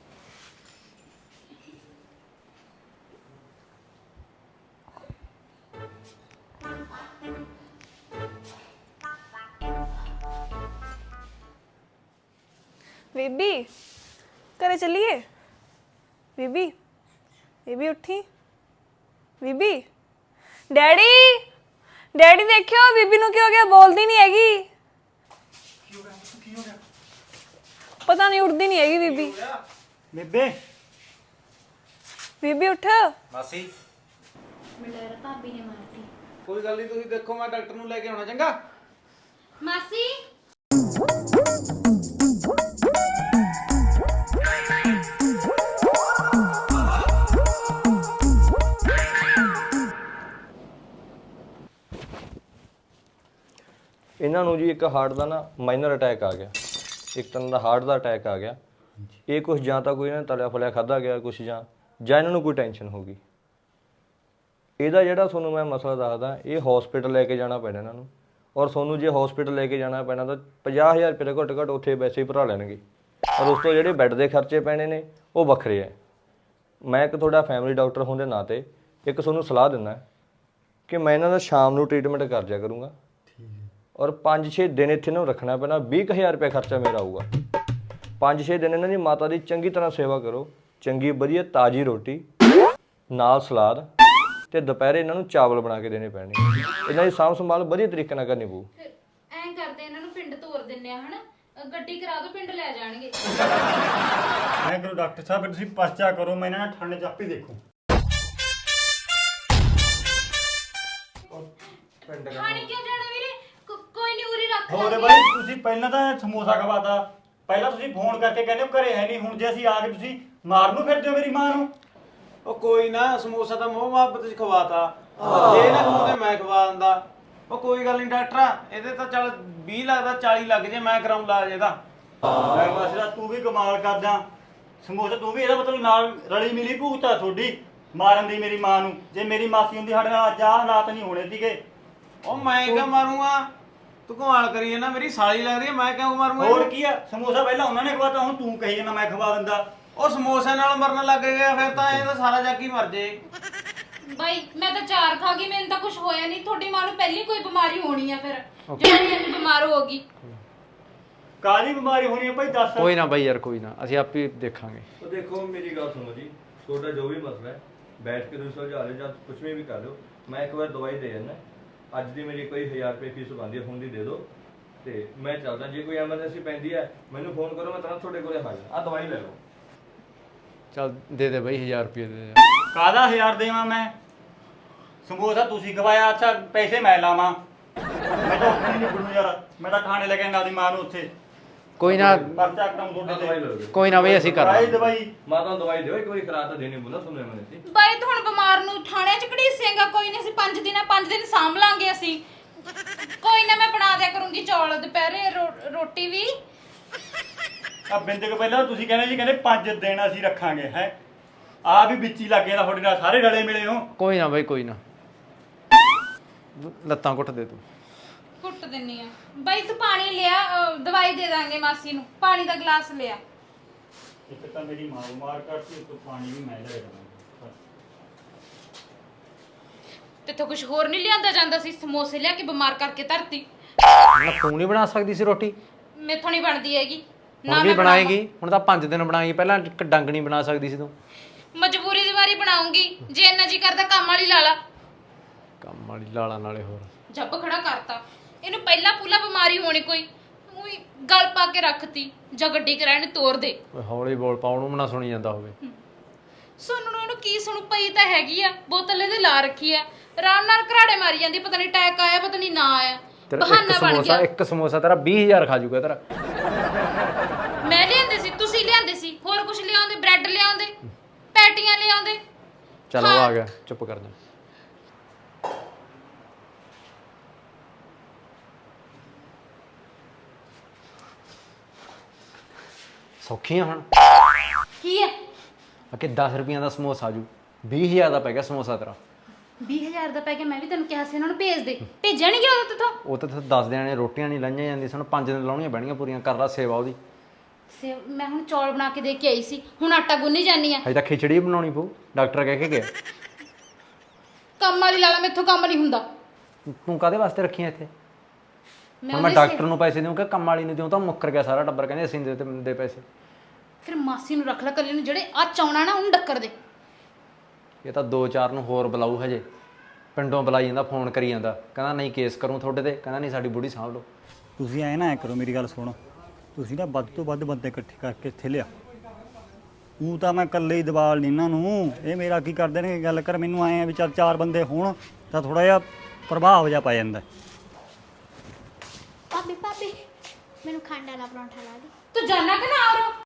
H: ਬੀਬੀ ਘਰੇ ਚੱਲੀਏ? ਬੀਬੀ ਬੀਬੀ ਉੱਠੀ। ਬੀਬੀ ਡੈਡੀ ਡੈਡੀ ਦੇਖਿਓ ਬੀਬੀ ਨੂੰ ਕੀ ਹੋ ਗਿਆ, ਬੋਲਦੀ ਨਹੀਂ ਹੈਗੀ।
B: ਕੀ ਹੋ ਗਿਆ?
H: ਪਤਾ ਨਹੀਂ, ਉੱਠਦੀ ਨਹੀਂ ਹੈਗੀ ਬੀਬੀ।
B: ਬੇਬੇ
H: ਬੀਬੀ ਉੱਠ।
E: ਮਾਸੀ
A: ਮੇਰਾ ਭਾਬੀ ਨੇ ਮਾਰਤੀ।
E: ਕੋਈ ਗੱਲ ਨਹੀਂ, ਤੁਸੀਂ ਦੇਖੋ ਮੈਂ ਡਾਕਟਰ ਨੂੰ ਲੈ ਕੇ ਆਉਣਾ ਚੰਗਾ।
A: ਮਾਸੀ
I: ਇਹਨਾਂ ਨੂੰ ਜੀ ਇੱਕ ਹਾਰਟ ਦਾ ਨਾ ਮਾਈਨਰ ਅਟੈਕ ਆ ਗਿਆ, ਇੱਕ ਤਰ੍ਹਾਂ ਦਾ ਹਾਰਟ ਦਾ ਅਟੈਕ ਆ ਗਿਆ। ਇਹ ਕੁਝ ਜਾਂ ਤਾਂ ਕੋਈ ਇਹਨਾਂ ਨੇ ਤਲਿਆ ਫਲਿਆ ਖਾਧਾ ਗਿਆ ਕੁਝ, ਜਾਂ ਇਹਨਾਂ ਨੂੰ ਕੋਈ ਟੈਨਸ਼ਨ ਹੋ ਗਈ। ਇਹਦਾ ਜਿਹੜਾ ਤੁਹਾਨੂੰ ਮੈਂ ਮਸਲਾ ਦੱਸਦਾ, ਇਹ ਹਸਪੀਟਲ ਲੈ ਕੇ ਜਾਣਾ ਪੈਣਾ ਇਹਨਾਂ ਨੂੰ। ਔਰ ਤੁਹਾਨੂੰ ਜੇ ਹਸਪੀਟਲ ਲੈ ਕੇ ਜਾਣਾ ਪੈਣਾ ਤਾਂ 50,000 ਰੁਪਏ ਦਾ ਘੱਟ ਉੱਥੇ ਵੈਸੇ ਹੀ ਭਰਾ ਲੈਣਗੇ। ਔਰ ਉਸ ਤੋਂ ਜਿਹੜੇ ਬੈੱਡ ਦੇ ਖਰਚੇ ਪੈਣੇ ਨੇ ਉਹ ਵੱਖਰੇ ਹੈ। ਮੈਂ ਇੱਕ ਤੁਹਾਡਾ ਫੈਮਿਲੀ ਡਾਕਟਰ ਹੋਣ ਦੇ ਨਾਤੇ ਇੱਕ ਤੁਹਾਨੂੰ ਸਲਾਹ ਦਿੰਦਾ ਕਿ ਮੈਂ ਇਹਨਾਂ ਦਾ ਸ਼ਾਮ ਨੂੰ ਟ੍ਰੀਟਮੈਂਟ ਕਰ ਦਿਆ ਕਰੂੰਗਾ। ਔਰ 5-6 ਦਿਨ ਇੱਥੇ ਨੂੰ ਰੱਖਣਾ ਪੈਣਾ, 20,000 ਰੁਪਏ ਖਰਚਾ ਮੇਰਾ ਆਊਗਾ। 5-6 ਦਿਨ ਇਹਨਾਂ ਦੀ ਮਾਤਾ ਦੀ ਚੰਗੀ ਤਰ੍ਹਾਂ ਸੇਵਾ ਕਰੋ, ਚੰਗੀ ਵਧੀਆ ਤਾਜ਼ੀ ਰੋਟੀ ਨਾਲ ਸਲਾਦ, ਤੇ ਦੁਪਹਿਰੇ ਇਹਨਾਂ ਨੂੰ ਚਾਵਲ ਬਣਾ ਕੇ ਦੇਣੇ ਪੈਣੇ। ਇਹਨਾਂ ਦੀ ਸਾਂਭ ਸੰਭਾਲ ਵਧੀਆ ਤਰੀਕੇ ਨਾਲ ਕਰਨੀ ਪਊ।
A: ਐਂ ਕਰਦੇ ਇਹਨਾਂ ਨੂੰ ਪਿੰਡ ਤੋਰ ਦਿੰਨੇ ਆ, ਹਨਾ? ਗੱਡੀ ਕਰਾ ਦੋ, ਪਿੰਡ ਲੈ ਜਾਣਗੇ।
B: ਮੈਂ ਕਰੋ ਡਾਕਟਰ ਸਾਹਿਬ, ਤੁਸੀਂ ਪਰਚਾ ਕਰੋ, ਮੈਂ ਇਹਨਾਂ ਨਾਲ ਠੰਡ ਚਾਪੀ ਦੇਖੂ।
A: ਖਾਣੀ ਕਿਉਂ ਜਾਣਾ ਵੀਰੇ? ਕੋਈ ਨਹੀਂ, ਉਰੀ ਰੱਖ
B: ਹੋਰ
A: ਲਾਂਗੇ।
B: ਬਾਈ ਤੁਸੀਂ ਪਹਿਲਾਂ ਤਾਂ ਸਮੋਸਾ ਖਵਾਤਾ, ਪਹਿਲਾਂ ਤੁਸੀਂ ਫੋਨ ਕਰਕੇ ਕਹਿੰਦੇ ਹੋ ਘਰੇ ਹੈ ਨਹੀਂ, ਹੁਣ ਜੇ ਅਸੀਂ ਆ ਕੇ ਤੁਸੀਂ ਮਾਰ ਨੂੰ ਫਿਰਦੇ ਹੋ ਮੇਰੀ ਮਾਂ ਨੂੰ।
E: ਉਹ ਕੋਈ ਨਾ, ਸਮੋਸਾ ਤਾਂ ਮੋਹ ਮੁਹੱਬਤ ਚ ਖਵਾਤਾ, ਜੇ ਨਾ ਖਵਾਉਂਦੇ ਮੈਂ ਖਵਾ ਦਿੰਦਾ। ਉਹ ਕੋਈ ਗੱਲ ਨਹੀਂ ਡਾਕਟਰਾ, ਇਹਦੇ ਤਾਂ ਚੱਲ 20 ਲੱਗਦਾ 40 ਲੱਗ ਜੇ, ਮੈਂ ਕਰਾਉਂ ਇਲਾਜ ਇਹਦਾ।
B: ਮੈਂ ਮਸਲਾ ਤੂੰ ਵੀ ਕਮਾਲ ਕਰਦਾ, ਸਮੋਸਾ ਤੂੰ ਵੀ ਇਹਦਾ ਮਤਲਬ ਨਾਲ ਰਲੀ ਮਿਲੀ ਭੂਤਾ ਤੁਹਾਡੀ ਮਾਰਨ ਦੀ ਮੇਰੀ ਮਾਂ ਨੂੰ। ਜੇ ਮੇਰੀ ਮਾਸੀ ਹੁੰਦੀ ਸਾਡੇ ਨਾਲ ਅੱਜ ਆਹ ਹਾਲਾਤ ਨਹੀਂ ਹੋਣੇ ਸੀਗੇ।
E: ਉਹ ਮੈਂ ਕਿਉਂ ਮਾਰੂੰਗਾ? ਤੂੰ ਕਮਾਲ ਕਰੀ ਜਾਂਦਾ, ਮੇਰੀ ਸਾਲੀ ਲੱਗਦੀ ਹੈ, ਮੈਂ ਕਿਉਂ ਮਾਰੂੰਗਾ?
B: ਹੋਰ ਕੀ ਆ, ਸਮੋਸਾ ਪਹਿਲਾਂ ਉਹਨਾਂ ਨੇ ਖਵਾਤਾ, ਹੁਣ ਤੂੰ ਕਹੀ ਜਾਂਦਾ ਮੈਂ ਖਵਾ ਦਿੰਦਾ।
E: ਉਹ ਸਮੋਸੇ ਨਾਲ ਮਰਨ ਲੱਗ ਗਿਆ, ਫਿਰ ਤਾਂ ਇਹ ਤਾਂ ਸਾਰਾ ਜੱਗ ਹੀ ਮਰ ਜੇ।
A: ਬਾਈ ਮੈਂ ਤਾਂ 4 ਖਾ ਗਈ, ਮੈਨੂੰ ਤਾਂ ਕੁਝ ਹੋਇਆ ਨਹੀਂ। ਤੁਹਾਡੀ ਮਾਂ ਨੂੰ ਪਹਿਲੀ ਕੋਈ ਬਿਮਾਰੀ ਹੋਣੀ ਆ ਫਿਰ, ਜਿਹੜੀ ਇੰਨੀ ਬਿਮਾਰ ਹੋ ਗਈ।
B: ਕਾਹਦੀ ਬਿਮਾਰੀ ਹੋਣੀ ਹੈ ਭਾਈ ਦੱਸ।
F: ਕੋਈ ਨਾ ਬਾਈ ਯਾਰ, ਕੋਈ ਨਾ, ਅਸੀਂ ਆਪੇ ਦੇਖਾਂਗੇ।
I: ਉਹ ਦੇਖੋ ਮੇਰੀ ਗੱਲ ਸੁਣੋ ਜੀ, ਤੁਹਾਡਾ ਜੋ ਵੀ ਮਸਲਾ ਹੈ ਬੈਠ ਕੇ ਤੁਸੀਂ ਸੁਲਝਾ ਲਿਓ ਜਾਂ ਕੁਝ ਵੀ ਕਰ ਲਿਓ। ਮੈਂ ਇੱਕ ਵਾਰ ਦਵਾਈ ਦੇ ਜਾਂਦਾ, ਅੱਜ ਦੀ ਮੇਰੀ ਕੋਈ 1000 ਰੁਪਏ ਫੀਸ ਬਣਦੀ ਹੈ, ਹੁਣ ਦੀ ਦੇ ਦਿਓ ਤੇ ਮੈਂ ਚੱਲਦਾ। ਜੇ ਕੋਈ ਐਮਰਜੈਂਸੀ ਪੈਂਦੀ ਹੈ ਮੈਨੂੰ ਫੋਨ ਕਰੋ, ਮੈਂ ਤੁਰੰਤ ਤੁਹਾਡੇ ਕੋਲੇ ਹਾਜ਼ਰ। ਆ ਦਵਾਈ ਲੈ ਲਓ।
F: ਚੱਲ ਦੇ ਦੇ ਬਾਈ 1000 ਰੁਪਏ ਦੇ ਦੇ।
B: ਕਾਹਦਾ 1000 ਦੇਵਾਂ ਮੈਂ? ਸਮੋਸਾ ਤੁਸੀਂ ਖਵਾਇਆ, ਅੱਛਾ ਪੈਸੇ ਮੈਂ ਲਾਵਾਂ? ਮੈਂ ਤਾਂ ਉੱਥੇ ਨਹੀਂ ਬਣੂ ਯਾਰ, ਮੈਂ ਤਾਂ ਖਾਣੇ ਲੈ ਕੇ ਆਉਂਦਾ ਆਪਣੀ ਮਾਂ ਨੂੰ ਉੱਥੇ।
F: ਕੋਈ ਨਾ,
B: ਪਰਚਾ ਕਟਾਉਂ ਤੁਹਾਡੇ
I: ਦਵਾਈ
B: ਤੇ।
I: ਲੈ ਲਓ।
F: ਕੋਈ ਨਾ ਬਈ, ਅਸੀਂ ਕਰ
B: ਆਈ
F: ਲਾਂਗੇ।
B: ਦਵਾਈ
I: ਮਾਤਾ ਨੂੰ ਦਵਾਈ ਦਿਓ, ਇੱਕ ਵਾਰੀ ਖਰਾਬ ਤਾਂ ਦੇਣੀ ਬੋਲਾ ਸੁਣਿਆ ਮੈਨੇ ਸੀ।
A: ਬਾਈ ਤੂੰ ਹੁਣ ਬਿਮਾਰ ਨੂੰ ਥਾਣੇ 'ਚ ਘੜੀਸੇਂਗਾ? ਕੋਈ ਨਹੀਂ, ਅਸੀਂ 5 ਦਿਨ ਸਾਂਭ ਲਾਂਗੇ ਅਸੀਂ। ਕੋਈ ਨਾ, ਮੈਂ ਬਣਾ ਦਿਆ ਕਰੂੰਗੀ ਚੌਲ ਦੁਪਹਿਰੇ, ਰੋਟੀ ਵੀ।
B: ਆ ਬਿੰਦਕ ਪਹਿਲਾਂ ਤੁਸੀਂ ਕਹਿੰਦੇ ਸੀ, ਕਹਿੰਦੇ 5 ਦਿਨ ਅਸੀਂ ਰੱਖਾਂਗੇ ਹੈ। ਆ ਵੀ ਵਿੱਚ ਹੀ ਲੱਗ ਗਿਆ ਤੁਹਾਡੇ ਨਾਲ, ਸਾਰੇ ਰਲੇ ਮਿਲੇ ਹੋ।
F: ਕੋਈ ਨਾ ਬਾਈ, ਕੋਈ ਨਾ, ਲੱਤਾਂ ਘੁੱਟ ਦੇ ਤੂੰ।
A: ਕੁੱਟ ਦਿੰਨੀ ਆ ਬਾਈ। ਤੂੰ ਪਾਣੀ ਲਿਆ, ਦਵਾਈ ਦੇ ਦਾਂਗੇ ਮਾਸੀ ਨੂੰ। ਪਾਣੀ ਦਾ ਗਲਾਸ ਲਿਆ।
B: ਇੱਕ ਤਾਂ ਮੇਰੀ ਮਾਂ ਬਿਮਾਰ ਕਰਤੀ, ਇੱਕ ਪਾਣੀ ਵੀ ਮੈਂ ਲੈ ਜਾਵਾਂਗਾ।
A: ਤੇਥੋਂ ਕੁਝ ਹੋਰ ਨਹੀਂ ਲਿਆਂਦਾ ਜਾਂਦਾ ਸੀ? ਸਮੋਸੇ ਲਿਆ ਕੇ ਬਿਮਾਰ ਕਰਕੇ ਧਰਤੀ।
F: ਨਾ ਤੂੰ ਨਹੀਂ ਬਣਾ ਸਕਦੀ ਸੀ ਰੋਟੀ?
A: ਮੈਥੋਂ ਨਹੀਂ ਬਣਦੀ ਹੈਗੀ।
F: ਹੁਣ ਵੀ
A: ਮੈਂ
F: ਬਣਾਏਗੀ? ਹੁਣ ਤਾਂ 5 ਦਿਨ ਬਣਾਏਗੀ, ਪਹਿਲਾਂ ਇੱਕ ਡੰਗ ਨਹੀਂ ਬਣਾ ਸਕਦੀ ਸੀ ਤੂੰ?
A: ਮਜਬੂਰੀ ਦੀ ਵਾਰੀ ਬਣਾਉਂਗੀ, ਜੇ ਇੰਨਾ ਜੀ ਕਰਦਾ ਕੰਮ ਵਾਲੀ ਲਾ ਲਾ।
F: ਕੰਮ ਵਾਲੀ ਲਾਲਾ ਨਾਲੇ ਹੋਰ।
A: ਜੱਬ ਖੜਾ ਕਰਤਾ ਇਹਨੂੰ। ਪਹਿਲਾਂ ਪੂਲਾ ਬਿਮਾਰੀ ਹੋਣੀ ਕੋਈ, ਉਹੀ ਗਲ ਪਾ ਕੇ ਰੱਖਤੀ। ਜਾਂ ਗੱਡੀ ਕਿਰਾਏ ਨੂੰ ਤੋੜ ਦੇ।
F: ਓਏ ਹੌਲੀ ਬੋਲ, ਪਾਉਣ ਨੂੰ ਨਾ ਸੁਣੀ ਜਾਂਦਾ ਹੋਵੇ।
A: ਸੁਣਨ ਨੂੰ ਇਹਨੂੰ ਕੀ ਸੁਣੂ? ਪਈ ਤਾਂ ਹੈਗੀ ਆ, ਬੋਤਲ ਇਹਦੇ ਲਾ ਰੱਖੀ ਆ, ਆਰਾਮ ਨਾਲ ਘਰਾੜੇ ਮਾਰੀ ਜਾਂਦੀ। ਪਤਾ ਨਹੀਂ ਅਟੈਕ ਆਇਆ, ਪਤਾ ਨਹੀਂ ਨਾ ਆਇਆ,
F: ਤੇਰਾ
A: ਬਹਾਨਾ ਬਣ ਗਿਆ।
F: ਇੱਕ ਸਮੋਸਾ ਤੇਰਾ 20000 ਖਾ ਜੂਗਾ ਤੇਰਾ।
A: ਮੈਂ ਲਿਆਂਦੇ ਸੀ, ਤੁਸੀਂ ਲਿਆਂਦੇ ਸੀ, ਹੋਰ ਕੁਝ ਲਿਆਉਂਦੇ, ਬ੍ਰੈਡ ਲਿਆਉਂਦੇ, ਪੈਟੀਆਂ ਲਿਆਉਂਦੇ।
F: ਚਲ ਉਹ ਆ ਗਿਆ, ਚੁੱਪ ਕਰ ਜਾ। ਸੌਖੀਆਂ ਹੁਣ
A: ਕੀ ਹੈ?
F: ਕਿ 10 ਰੁਪਈਆਂ ਦਾ ਸਮੋਸਾ ਆਜੂ, 20000 ਦਾ ਪੈ ਗਿਆ ਸਮੋਸਾ ਤੇਰਾ।
A: 20000 ਦਾ ਪੈ ਗਿਆ। ਮੈਂ ਵੀ ਤੈਨੂੰ ਕਿਹਾ ਸੀ ਇਹਨਾਂ ਨੂੰ ਭੇਜ ਦੇ, ਭੇਜਿਆ ਨਹੀਂ ਗਿਆ ਉਹਦੇ ਤੋਂ।
F: ਉਹ ਤਾਂ 10 ਦਿਨਾਂ ਨੇ ਰੋਟੀਆਂ ਨਹੀਂ ਲਾਈਆਂ ਜਾਂਦੀਆਂ, ਸਾਨੂੰ 5 ਦਿਨ ਲਾਉਣੀਆਂ ਪੈਣੀਆਂ ਪੂਰੀਆਂ। ਕਰ ਲਾ ਸੇਵਾ ਉਹਦੀ।
A: ਮੈਂ ਹੁਣ ਚੌਲ ਬਣਾ ਕੇ ਦੇ ਕੇ ਆਈ ਸੀ, ਹੁਣ ਆਟਾ ਗੁੰਨੀ ਜਾਨੀ ਆ।
F: ਹਜੇ ਤਾਂ ਖਿਚੜੀ ਬਣਾਉਣੀ ਪਊ, ਡਾਕਟਰ ਕਹਿ ਕੇ ਗਿਆ।
A: ਕੰਮ ਵਾਲੀ ਲਾ ਲਾ, ਮੈਥੋਂ ਕੰਮ ਨਹੀਂ ਹੁੰਦਾ।
F: ਤੂੰ ਕਾਹਦੇ ਵਾਸਤੇ ਰੱਖੀਆਂ ਇੱਥੇ?
A: ਮੈਂ
F: ਮੈਂ ਡਾਕਟਰ ਨੂੰ ਪੈਸੇ ਦਿਉਂ ਕਿ ਕੰਮ ਵਾਲੀ ਨੂੰ ਦਿਉਂ? ਤਾਂ ਮੁੱਕਰ ਗਿਆ ਸਾਰਾ ਟੱਬਰ, ਕਹਿੰਦੇ ਅਸੀਂ ਦੇ ਪੈਸੇ।
A: ਫਿਰ ਮਾਸੀ ਨੂੰ ਰੱਖ ਲੈ ਕੱਲੇ ਨੂੰ, ਜਿਹੜੇ ਆ ਚਾਉਣਾ ਨਾ ਉਹਨੂੰ ਡੱਕਰ ਦੇ।
F: ਇਹ ਤਾਂ 2-4 ਨੂੰ ਹੋਰ ਬੁਲਾਊ ਹਜੇ। ਪਿੰਡੋਂ ਬੁਲਾਈ ਜਾਂਦਾ, ਫੋਨ ਕਰੀ ਜਾਂਦਾ, ਕਹਿੰਦਾ ਨਹੀਂ ਕੇਸ ਕਰੂੰ ਤੁਹਾਡੇ ਤੇ, ਕਹਿੰਦਾ ਨਹੀਂ ਸਾਡੀ ਬੁੜੀ ਸਾਂਭ ਲਓ।
B: ਤੁਸੀਂ ਐ ਨਾ ਐ ਕਰੋ, ਮੇਰੀ ਗੱਲ ਸੁਣੋ। ਤੁਸੀਂ ਨਾ ਵੱਧ ਤੋਂ ਵੱਧ ਬੰਦੇ ਇਕੱਠੇ ਕਰਕੇ ਇੱਥੇ ਲਿਆ। ਉਹ ਤਾਂ ਮੈਂ ਇਕੱਲੇ ਹੀ ਦਬਾਲ ਨਹੀਂ ਇਹਨਾਂ ਨੂੰ। ਇਹ ਮੇਰਾ ਕੀ ਕਰਦੇ ਨੇ ਗੱਲ ਕਰ, ਮੈਨੂੰ ਆਏ ਆ ਵੀ ਚੱਲ 4 ਬੰਦੇ ਹੋਣ ਤਾਂ ਥੋੜਾ ਜਿਹਾ ਪ੍ਰਭਾਵ ਜਿਹਾ ਪੈ ਜਾਂਦਾ।
G: ਭਾਬੀ ਮੈਨੂੰ ਖੰਡ ਵਾਲਾ ਪਰੌਂਠਾ ਲਾ ਦੇ।
A: ਤੂੰ ਜਾਣਾ ਕਿ ਨਾ ਆਰੋ?